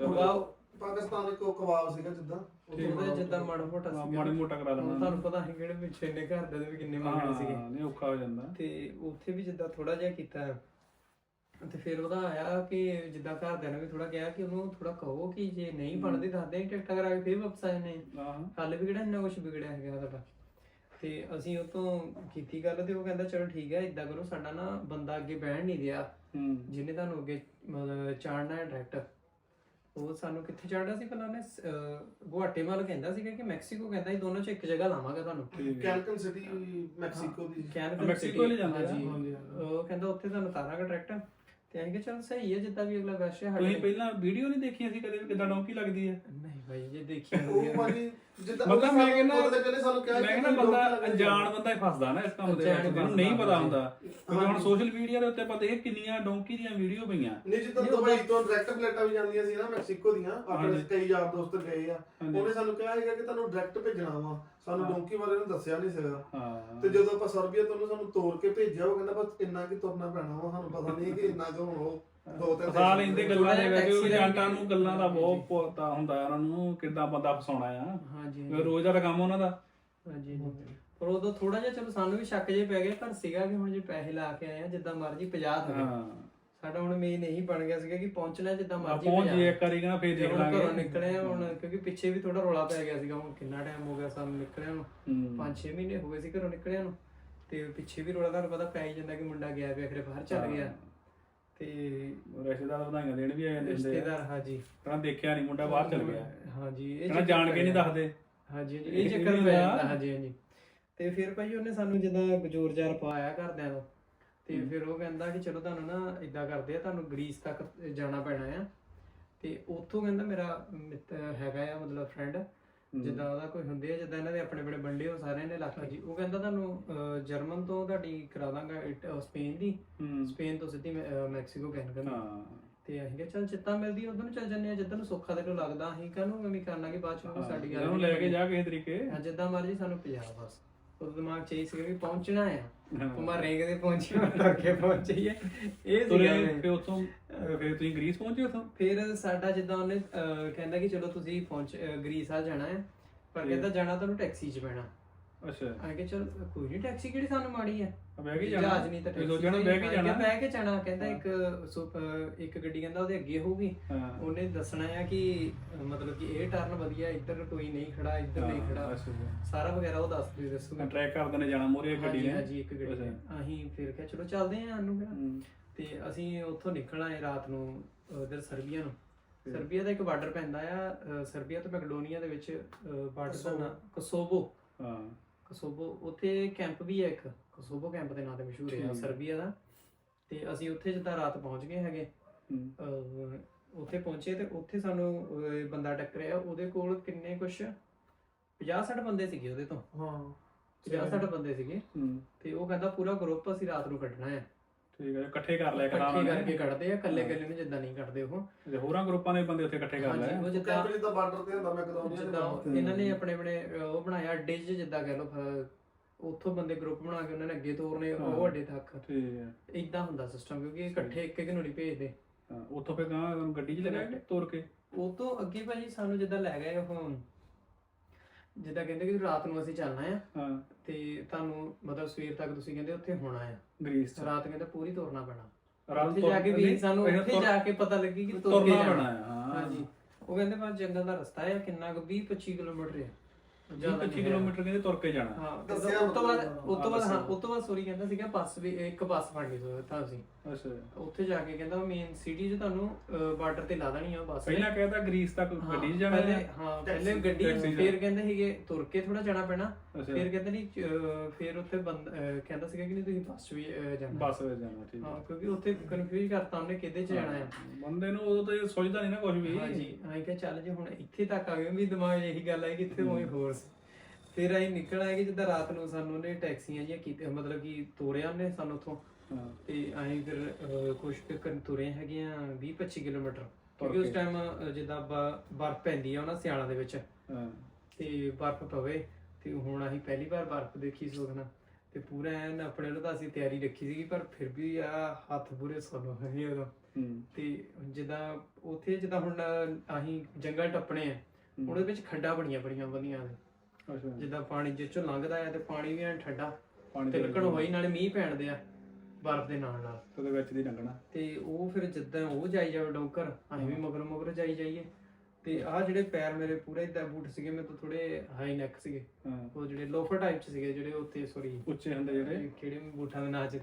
C: ਪਾਕਿਸਤਾਨ ਕੋ ਕਬਾਬ ਸੀਗਾ ਜਿੱਦਾਂ,
B: ਉਹਦਾ ਜਿੱਦਾਂ ਮਾੜਾ ਮੋਟਾ ਸੀ,
A: ਮਾੜਾ ਮੋਟਾ ਕਰਾ ਲੈਣਾ।
B: ਤੁਹਾਨੂੰ ਪਤਾ ਹੈ ਕਿਹੜੇ ਪਿੱਛੇ ਇੰਨੇ ਘਰ ਦੇ ਵੀ ਕਿੰਨੇ ਮੰਗਣੇ ਸੀਗੇ,
A: ਨਹੀਂ ਔਖਾ ਹੋ ਜਾਂਦਾ।
B: ਤੇ ਉੱਥੇ ਵੀ ਜਿੱਦਾਂ ਥੋੜਾ ਜਿਹਾ ਕੀਤਾ, ਤੇ ਫਿਰ ਉਹਦਾ ਆਇਆ ਕਿ ਜਿੱਦਾਂ ਘਰਦਿਆਂ ਨੇ ਵੀ ਥੋੜਾ ਕਿਹਾ ਕਿ ਉਹਨੂੰ ਥੋੜਾ ਕਹੋ ਕਿ ਜੇ ਨਹੀਂ ਬਣਦੀ ਦੱਸਦੇ ਟਿਕਟਾਂ ਕਰਾ ਕੇ ਫਿਰ ਵਾਪਸ ਆ ਜਾਣੇ, ਹਾਲੇ ਵੀ ਕਿਹੜਾ ਇੰਨਾ ਕੁਛ ਵਿਗੜਿਆ ਹੈਗਾ ਸਾਡਾ। ਤੇ ਅਸੀਂ ਉਹ ਤੋਂ ਕੀਤੀ ਗੱਲ, ਤੇ ਉਹ ਕਹਿੰਦਾ ਚਲੋ ਠੀਕ ਹੈ, ਇਦਾਂ ਕਰੋ, ਸਾਡਾ ਨਾ ਬੰਦਾ ਅੱਗੇ ਬਹਿਣ ਨਹੀਂ ਦਿਆ, ਜਿਹਨੇ ਤੁਹਾਨੂੰ ਅੱਗੇ ਮਤਲਬ ਚਾੜਨਾ ਹੈ ਡਾਇਰੈਕਟ। ਉਹ ਸਾਨੂੰ ਕਿੱਥੇ ਚਾੜਨਾ ਸੀ ਪਹਿਲਾਂ ਉਹਨੇ? ਗੁਆਟੇਮਾਲਾ ਕਹਿੰਦਾ ਸੀਗਾ ਕਿ ਮੈਕਸੀਕੋ, ਕਹਿੰਦਾ ਇਹ ਦੋਨੋਂ ਚ ਇੱਕ ਜਗ੍ਹਾ ਲਾਵਾਂਗਾ ਤੁਹਾਨੂੰ।
C: ਕੈਲਕਨ ਸਿਟੀ ਮੈਕਸੀਕੋ ਦੀ,
A: ਮੈਕਸੀਕੋ ਲੈ ਜਾਂਦਾ
B: ਜੀ। ਉਹ ਕਹਿੰਦਾ ਉੱਥੇ ਤੁਹਾਨੂੰ ਉਤਾਰਾਂਗਾ ਡਾਇਰੈਕਟ। ਤੇ ਅਸੀਂ ਕਿ ਚਲ ਸਹੀ ਹੈ, ਜਿੱਦਾਂ ਵੀ ਅਗਲਾ ਵੈਸੇ
A: ਤੁਸੀਂ ਪਹਿਲਾਂ ਵੀਡੀਓ ਨਹੀਂ ਦੇਖੀਆਂ ਸੀ ਕਦੇ ਵੀ ਕਿੱਦਾਂ ਡੌਂਕੀ ਲੱਗਦੀ ਹੈ?
B: ਨਹੀਂ ਭਾਈ, ਜੇ ਦੇਖੀ
C: ਉਹ ਵਾਲੀ ਜਿੱਦਾਂ
A: ਮਤਲਬ ਮੈਂ
C: ਕਹਿੰਦਾ ਸਾਨੂੰ ਕਿਹਾ
A: ਮੈਂ ਕਹਿੰਦਾ ਬੰਦਾ ਅਣਜਾਣ ਬੰਦਾ ਹੀ ਫਸਦਾ ਨਾ ਇਸ ਕੰਮ ਦੇ ਵਿੱਚ, ਜਿਹਨੂੰ ਨਹੀਂ ਪਤਾ ਹੁੰਦਾ। ਕਿਉਂਕਿ ਹੁਣ ਸੋਸ਼ਲ ਮੀਡੀਆ ਦੇ ਉੱਤੇ ਆਪਾਂ ਦੇਖ ਕਿੰਨੀਆਂ ਡੌਂਕੀ ਦੀਆਂ ਵੀਡੀਓ ਪਈਆਂ।
C: ਨਹੀਂ, ਜਿੱਦਾਂ ਦੁਬਈ ਤੋਂ ਡਾਇਰੈਕਟ ਫਲਾਈਟਾਂ ਵੀ ਜਾਂਦੀਆਂ ਸੀ ਨਾ ਮੈਕਸੀਕੋ ਦੀਆਂ, ਆਪਣੇ ਕਈ ਯਾਰ ਦੋਸਤ ਗਏ ਆ, ਉਹਨੇ ਸਾਨੂੰ ਕਿਹਾ ਹੈਗਾ ਕਿ ਤੁਹਾਨੂੰ ਡਾਇਰੈਕਟ ਭੇਜਣਾ ਵਾ, ਸਾਨੂੰ ਡੌਂਕੀ ਬਾਰੇ ਉਹਨੇ ਦੱਸਿਆ ਨਹੀਂ ਸੀਗਾ। ਤੇ ਜਦੋਂ ਆਪਾਂ ਸਰਬੀਆ ਤੋਂ ਸਾਨੂੰ ਤੋੜ ਕੇ ਭੇਜਿਆ, ਉਹ ਕਹਿੰਦਾ ਬਸ ਇੰਨਾ ਕਿ ਤੁਰਨਾ ਪੈਣਾ ਵਾ, ਸਾਨੂੰ ਪਤਾ ਨਹੀਂ ਕਿ ਇੰਨਾ ਕੁ ਉਹ 2-3
A: ਸਾਲ ਇੰਦੇ ਗੱਲਾਂ ਦੇ ਵਿੱਚ ਏਜੰਟਾਂ ਨੂੰ ਗੱਲਾਂ ਦਾ ਬਹੁਤ ਪਤਾ ਹੁੰਦਾ ਉਹਨਾਂ ਨੂੰ, ਕਿੱਦਾਂ ਬੰਦਾ ਫਸਾਉਣਾ ਆ।
B: ਹਾਂਜੀ,
A: ਰੋਜ਼ ਦਾ ਕੰਮ ਉਹਨਾਂ ਦਾ।
B: ਹਾਂਜੀ, ਪਰ ਉਦੋਂ ਥੋੜਾ ਜਿਹਾ ਚਲੋ ਸਾਨੂੰ ਵੀ ਸ਼ੱਕ ਜੇ ਪੈ ਗਿਆ, ਪਰ ਸੀਗਾ ਕਿ ਹੁਣ ਜੇ ਪੈਸੇ ਲਾ ਕੇ ਆਏ ਆ ਜਿੱਦਾਂ ਮਰਜ਼ੀ 50 ਹੋ ਗਏ। ਸਾਡਾ ਹੁਣ ਮੇਨ ਇਹੀ ਬਣ ਗਿਆ ਸੀਗਾ ਕਿ ਪਹੁੰਚਣਾ ਜਿੱਦਾਂ ਮਰਜ਼ੀ
A: ਪਹੁੰਚ ਜੇ ਇੱਕ ਵਾਰੀ ਕਹਿੰਦਾ ਫੇਰ ਦੇਖ ਲਾਂਗੇ।
B: ਘਰੋਂ ਨਿਕਲੇ ਹੁਣ, ਕਿਉਂਕਿ ਪਿੱਛੇ ਵੀ ਥੋੜਾ ਰੌਲਾ ਪੈ ਗਿਆ ਸੀਗਾ। ਹੁਣ ਕਿੰਨਾ ਟਾਈਮ ਹੋ ਗਿਆ ਸਾਨੂੰ ਨਿਕਲਿਆ ਨੂੰ, 5-6 ਮਹੀਨੇ ਹੋ ਗਏ ਸੀ ਘਰੋਂ ਨਿਕਲਿਆ ਨੂੰ, ਤੇ ਪਿੱਛੇ ਵੀ ਰੌਲਾ ਤੁਹਾਨੂੰ ਪਤਾ ਪੈ ਹੀ ਜਾਂਦਾ ਕਿ ਮੁੰਡਾ ਗਿਆ ਪਿਆ, ਫਿਰ ਬਾਹਰ ਚੱਲ ਗਿਆ। ਤੇ
A: ਰਿਸ਼ਤੇਦਾਰ ਵਧਾਈਆਂ ਦੇਣ ਵੀ ਆ ਜਾਂਦੇ
B: ਰਿਸ਼ਤੇਦਾਰ, ਹਾਂਜੀ,
A: ਕਹਿੰਦਾ ਦੇਖਿਆ ਨਹੀਂ ਮੁੰਡਾ ਬਾਹਰ ਚੱਲ ਗਿਆ।
B: ਹਾਂਜੀ,
A: ਇਹ ਜਾਣ ਕੇ ਨਹੀਂ ਦੱਸਦੇ।
B: ਹਾਂਜੀ, ਇਹ ਚੱਕਰ ਪੈ ਜਾਂਦਾ। ਹਾਂਜੀ, ਹਾਂਜੀ, ਤੇ ਫਿਰ ਭਾਈ ਉਹਨੇ ਸਾਨੂੰ ਜਿੱਦਾਂ ਜ਼ੋਰ ਜ਼ਾਰ ਪਾਇਆ ਘਰਦਿਆਂ ਨੂੰ, ਤੇ ਫਿਰ ਉਹ ਕਹਿੰਦਾ ਕਿ ਚਲੋ ਤੁਹਾਨੂੰ ਨਾ ਇਦਾਂ ਕਰਦੇ ਆ, ਤੁਹਾਨੂੰ ਗ੍ਰੀਸ ਤੱਕ ਜਾਣਾ ਪੈਣਾ ਆ। ਤੇ ਉੱਥੋਂ ਕਹਿੰਦਾ ਮੇਰਾ ਹੈਗਾ ਆ ਮਤਲਬ ਫਰੈਂਡ, ਜਿੱਦਾਂ ਉਹਦਾ ਕੋਈ ਹੁੰਦੇ ਆ, ਜਿੱਦਾਂ ਇਹਨਾਂ ਦੇ ਆਪਣੇ ਬੜੇ ਬੰਦੇ ਹੋ ਸਾਰਿਆਂ ਨੇ ਇਲਾਕੇ ਜੀ, ਉਹ ਕਹਿੰਦਾ ਤੁਹਾਨੂੰ ਜਰਮਨ ਤੋਂ ਤੁਹਾਡੀ ਕਰਾ ਦਾਂਗਾ ਸਪੇਨ ਦੀ, ਸਪੇਨ ਤੋਂ ਸਿੱਧੀ ਮੈਕਸੀਕੋ ਕੈਨਕਨ। ਤੇ ਅਸੀਂ ਕਿਹਾ ਚੱਲ ਜਿੱਦਾਂ ਮਿਲਦੀ ਉਧਰ ਨੂੰ ਚੱਲ ਜੰਨੇ ਆ, ਜਿੱਦਾਂ ਨੂੰ ਸੌਖਾ ਤੈਨੂੰ ਲੱਗਦਾ, ਅਸੀਂ ਕਾਹਨੂੰ ਐਵੇਂ ਕਰਨਾ ਕਿ ਬਾਅਦ ਚ ਸਾਡੀ ਗੱਲ
A: ਲੈ ਕੇ ਜਾ ਕਿਸੇ ਤਰੀਕੇ,
B: ਜਿੱਦਾਂ ਮਰਜੀ ਸਾਨੂੰ ਪੰਜਾਬ ਬਸ। ਉਹ ਦਿਮਾਗ ਚ ਇਹ ਸੀਗਾ ਕਿ ਪਹੁੰਚਣਾ ਆ, ਉਮਰ ਰੇਂਗ ਦੇ ਪਹੁੰਚੀ ਤੁਰ ਕੇ ਪਹੁੰਚੀਏ, ਇਹ ਸੀਗਾ।
A: ਫਿਰ ਉੱਥੋਂ ਫਿਰ ਤੁਸੀਂ ਗ੍ਰੀਸ ਪਹੁੰਚੇ ਉੱਥੋਂ?
B: ਫਿਰ ਸਾਡਾ ਜਿੱਦਾਂ ਉਹਨੇ ਕਹਿੰਦਾ ਕਿ ਚਲੋ ਤੁਸੀਂ ਗ੍ਰੀਸ ਆ ਜਾਣਾ ਹੈ, ਪਰ ਕਹਿੰਦਾ ਜਾਣਾ ਤੁਹਾਨੂੰ ਟੈਕਸੀ 'ਚ ਪੈਣਾ।
A: ਅੱਛਾ,
B: ਆ ਕੇ ਚਲ ਕੋਈ ਨਹੀਂ, ਟੈਕਸੀ ਕਿਹੜੀ ਸਾਨੂੰ ਮਾੜੀ ਆ,
A: ਬਹਿ ਕੇ ਜਾਣਾ,
B: ਜਹਾਜ਼ ਨਹੀਂ ਤਾਂ ਟੈਕਸੀ
A: ਸੋਚਣਾ ਬਹਿ ਕੇ ਜਾਣਾ,
B: ਬਹਿ ਕੇ ਜਾਣਾ। ਕਹਿੰਦਾ ਇੱਕ ਗੱਡੀ ਕਹਿੰਦਾ ਉਹਦੇ ਅੱਗੇ ਹੋਊਗੀ, ਉਹਨੇ ਦੱਸਣਾ ਆ ਕਿ ਮਤਲਬ ਕਿ ਇਹ ਟਰਨ ਵਧੀਆ, ਇੱਧਰ ਕੋਈ ਨਹੀਂ ਖੜਾ, ਇੱਧਰ ਨਹੀਂ ਖੜਾ, ਸਾਰਾ ਵਗੈਰਾ ਉਹ ਦੱਸੂਗਾ।
A: ਟਰੈਕ ਕਰਦੇ ਨੇ ਜਾਣਾ ਮੋਰੇ ਗੱਡੀ ਨੇ।
B: ਹਾਂਜੀ ਇੱਕ ਗੱਡੀ। ਅਸੀਂ ਫਿਰ ਕਿਹਾ ਚਲੋ ਚੱਲਦੇ ਆਂ ਸਾਨੂੰ ਕਿਹੜਾ। ਤੇ ਅਸੀਂ ਉੱਥੋਂ ਨਿਕਲ ਆਏ ਰਾਤ ਨੂੰ ਉਧਰ ਸਰਬੀਆ ਨੂੰ। ਸਰਬੀਆ ਦਾ ਇੱਕ ਬਾਰਡਰ ਪੈਂਦਾ ਆ, ਸਰਬੀਆ ਤੇ ਮੈਕਡੋਨੀਆ ਦੇ ਵਿੱਚ ਬਾਰਡਰ ਦਾ ਨਾਂ ਕੋਸੋਵੋ। ਕੋਸੋਵੋ, ਉੱਥੇ ਕੈਂਪ ਵੀ ਹੈ ਇੱਕ, ਕੋਸੋਵੋ ਕੈਂਪ ਦੇ ਨਾਂ ਤੇ ਮਸ਼ਹੂਰ ਹੈ ਸਰਬੀਆ ਦਾ। ਤੇ ਅਸੀਂ ਉੱਥੇ ਜਿੱਦਾਂ ਰਾਤ ਪਹੁੰਚ ਗਏ ਹੈਗੇ, ਉੱਥੇ ਪਹੁੰਚੇ ਤੇ ਉੱਥੇ ਸਾਨੂੰ ਬੰਦਾ ਟੱਕਰਿਆ, ਉਹਦੇ ਕੋਲ ਕਿੰਨੇ ਕੁਛ 50-60 ਬੰਦੇ ਸੀਗੇ ਉਹਦੇ ਤੋਂ। 50-60 ਬੰਦੇ ਸੀਗੇ। ਤੇ ਉਹ ਕਹਿੰਦਾ ਪੂਰਾ ਗਰੁੱਪ ਅਸੀਂ ਰਾਤ ਨੂੰ ਕੱਢਣਾ ਹੈ।
A: ਠੀਕ ਹੈ, ਇਕੱਠੇ ਕਰ ਲਿਆ
B: ਇਕੱਠੇ ਕਰਕੇ ਕੱਢਦੇ ਆ, ਇਕੱਲੇ ਨੂੰ ਜਿੱਦਾਂ ਨਹੀਂ ਕੱਢਦੇ ਉਹ।
A: ਹੋਰਾਂ ਗਰੁੱਪਾਂ ਦੇ ਬੰਦੇ ਉੱਥੇ ਇਕੱਠੇ ਕਰ ਲਏ।
B: ਉਹ ਜਿੱਦਾਂ
C: ਬਾਰਡਰ ਤੇ ਹੁੰਦਾ ਮੈਕਡੋਨੀਆ,
B: ਜਿੱਦਾਂ ਇਹਨਾਂ ਨੇ ਆਪਣੇ ਉਹ ਬਣਾਇਆ ਅੱਡੇ 'ਚ, ਜਿੱਦਾਂ ਕਹਿ ਲਓ ਉੱਥੋਂ ਬੰਦੇ ਗਰੁੱਪ ਬਣਾ ਕੇ ਉਹਨਾਂ ਨੇ ਅੱਗੇ ਤੋਰਨੇ ਉਹ ਅੱਡੇ ਤੱਕ।
A: ਠੀਕ ਹੈ,
B: ਇਦਾਂ ਹੁੰਦਾ ਸਿਸਟਮ, ਕਿਉਂਕਿ ਇਕੱਠੇ ਇੱਕ ਨੂੰ ਨਹੀਂ ਭੇਜਦੇ।
A: ਉੱਥੋਂ ਫਿਰ ਗੱਡੀ 'ਚ ਲੈ ਗਏ ਤੋਰ ਕੇ।
B: ਉਹ ਤੋਂ ਅੱਗੇ ਭਾਜੀ ਸਾਨੂੰ ਜਿੱਦਾਂ ਲੈ ਗਏ ਉਹ, ਜਿੱਦਾਂ ਕਹਿੰਦੇ ਕਿ ਰਾਤ ਨੂੰ ਅਸੀਂ ਚੱਲਣਾ ਆ, ਤੇ ਤੁਹਾਨੂੰ ਮਤਲਬ ਸਵੇਰ ਤੱਕ ਤੁਸੀਂ ਕਹਿੰਦੇ ਉੱਥੇ ਹੋਣਾ ਆ ਗ੍ਰੀਸ। ਰਾਤ ਕਹਿੰਦੇ ਪੂਰੀ ਤੋਰਨਾ ਪੈਣਾ, ਉੱਥੇ ਜਾ ਕੇ ਵੀ ਸਾਨੂੰ ਉੱਥੇ ਜਾ ਕੇ ਪਤਾ ਲੱਗੀ ਕਿ ਤੁਰ ਕੇ ਜਾਣਾ। ਹਾਂਜੀ, ਉਹ ਕਹਿੰਦੇ ਬਸ ਜੰਗਲ ਦਾ ਰਸਤਾ ਹੈ, ਕਿੰਨਾ ਕੁ 20-25 ਕਿਲੋਮੀਟਰ ਹੈ,
A: 25 ਕਿਲੋਮੀਟਰ ਕਹਿੰਦੇ ਤੁਰ ਕੇ ਜਾਣਾ।
B: ਹਾਂ, ਉਸ ਤੋਂ ਬਾਅਦ ਸੋਰੀ ਕਹਿੰਦਾ ਸੀਗਾ ਬੱਸ ਵੀ, ਇੱਕ ਬੱਸ ਫੜਨੀ ਤਾਂ ਅਸੀਂ।
A: ਅੱਛਾ,
B: ਉੱਥੇ ਜਾ ਕੇ ਕਹਿੰਦਾ ਮੇਨ ਸਿਟੀ 'ਚ ਤੁਹਾਨੂੰ ਬਾਰਡਰ ਤੇ ਲਾ ਦੇਣੀ ਆ ਬੱਸ।
A: ਪਹਿਲਾਂ ਕਹਿੰਦਾ ਗ੍ਰੀਸ ਤੱਕ ਗੱਡੀ 'ਚ ਜਾਣਾ ਹੈ।
B: ਹਾਂ, ਪਹਿਲੇ ਗੱਡੀ, ਫਿਰ ਕਹਿੰਦੇ ਸੀਗੇ ਤੁਰ ਕੇ ਥੋੜਾ ਜਾਣਾ ਪੈਣਾ, ਫਿਰ ਕਹਿੰਦੇ ਨਹੀਂ, ਫਿਰ ਉੱਥੇ ਕਹਿੰਦਾ ਸੀਗਾ ਕਿ ਨਹੀਂ ਤੁਸੀਂ ਬੱਸ 'ਚ ਵੀ ਜਾਣਾ।
A: ਬੱਸ ਵਿੱਚ ਜਾਣਾ, ਠੀਕ ਹੈ।
B: ਹਾਂ, ਕਿਉਂਕਿ ਉੱਥੇ ਕਨਫਿਊਜ਼ ਕਰਤਾ ਉਹਨੇ ਕਿਹਦੇ 'ਚ ਜਾਣਾ ਹੈ
A: ਬੰਦੇ ਨੂੰ, ਉਦੋਂ ਤਾਂ ਇਹ ਸੋਚਦਾ ਨਹੀਂ ਨਾ ਕੁਝ ਵੀ।
B: ਹਾਂਜੀ, ਅਸੀਂ ਕਿਹਾ ਚੱਲ ਜੇ ਹੁਣ ਇੱਥੇ ਤੱਕ ਆ ਗਏ, ਵੀ ਦਿਮਾਗ 'ਚ ਇਹੀ ਗੱਲ ਆਈ ਕਿ ਇੱਥੇ ਕੋਈ ਹੋਰ। ਫਿਰ ਅਸੀਂ ਨਿਕਲ ਆਏ ਕਿ ਜਿੱਦਾਂ ਰਾਤ ਨੂੰ ਸਾਨੂੰ ਉਹਨੇ ਟੈਕਸੀਆਂ ਜਿਹੀਆਂ ਕੀਤੀਆਂ, ਮਤਲਬ ਕਿ ਤੋਰਿਆ ਉਹਨੇ ਸਾਨੂੰ ਉੱਥੋਂ। ਤੇ ਅਸੀਂ ਫਿਰ ਕੁਛ ਤੁਰੇ ਹੈਗੇ ਆ 20-25 ਕਿਲੋਮੀਟਰ, ਕਿਉਂਕਿ ਉਸ ਟਾਈਮ ਜਿੱਦਾਂ ਬਰਫ਼ ਪੈਂਦੀ ਆ ਉਹਨਾਂ ਸਿਆਲਾਂ ਦੇ ਵਿੱਚ, ਤੇ ਬਰਫ਼ ਪਵੇ। ਤੇ ਹੁਣ ਅਸੀਂ ਪਹਿਲੀ ਵਾਰ ਬਰਫ਼ ਦੇਖੀ ਸੋਖਣਾ, ਤੇ ਪੂਰਾ ਐਨ ਆਪਣੇ ਵੱਲੋਂ ਤਾਂ ਅਸੀਂ ਤਿਆਰੀ ਰੱਖੀ ਸੀਗੀ, ਪਰ ਫਿਰ ਵੀ ਆ ਹੱਥ ਪੂਰੇ ਸੁੰਨ ਹੋਏ ਉਦੋਂ। ਤੇ ਜਿੱਦਾਂ ਉੱਥੇ ਜਿੱਦਾਂ ਹੁਣ ਅਸੀਂ ਜੰਗਲ ਟੱਪਣੇ ਆ, ਉਹਦੇ ਵਿੱਚ ਖੱਡਾਂ ਬਣੀਆਂ ਵਧੀਆ ਨੇ, ਜਿੱਦਾਂ ਪਾਣੀ ਜਿੱਚੋਂ ਲੰਘਦਾ ਆ, ਤੇ ਪਾਣੀ ਵੀ ਐਨ ਠੰਡਾ, ਤਿਲਕਣ ਹੋਈ, ਨਾਲੇ ਮੀਂਹ ਪੈਣਦੇ ਆ ਬਰਫ਼ ਦੇ ਨਾਲ
A: ਉਹਦੇ ਵਿੱਚ ਦੀ ਲੰਘਣਾ।
B: ਤੇ ਉਹ ਫਿਰ ਜਿੱਦਾਂ ਉਹ ਜਾਈ ਜਾਵੇ ਡੋਂਕਰ, ਅਸੀਂ ਵੀ ਮਗਰ ਜਾਈਏ। ਤੇ ਆਹ ਜਿਹੜੇ ਪੈਰ ਮੇਰੇ ਪੂਰੇ ਇਦਾਂ ਬੂਟ ਸੀਗੇ, ਮੇਰੇ ਤੋਂ ਥੋੜੇ ਹਾਈ ਨੈਕ ਸੀਗੇ, ਉਹ ਜਿਹੜੇ ਲੋਫਰ ਟਾਈਪ ਚ ਸੀਗੇ, ਜਿਹੜੇ ਉੱਤੇ ਸੋਰੀ
A: ਉੱਚੇ ਹੁੰਦੇ ਜਿਹੜੇ,
B: ਕਿਹੜੇ ਬੂਟਾਂ ਦੇ ਨਾਂ ਚ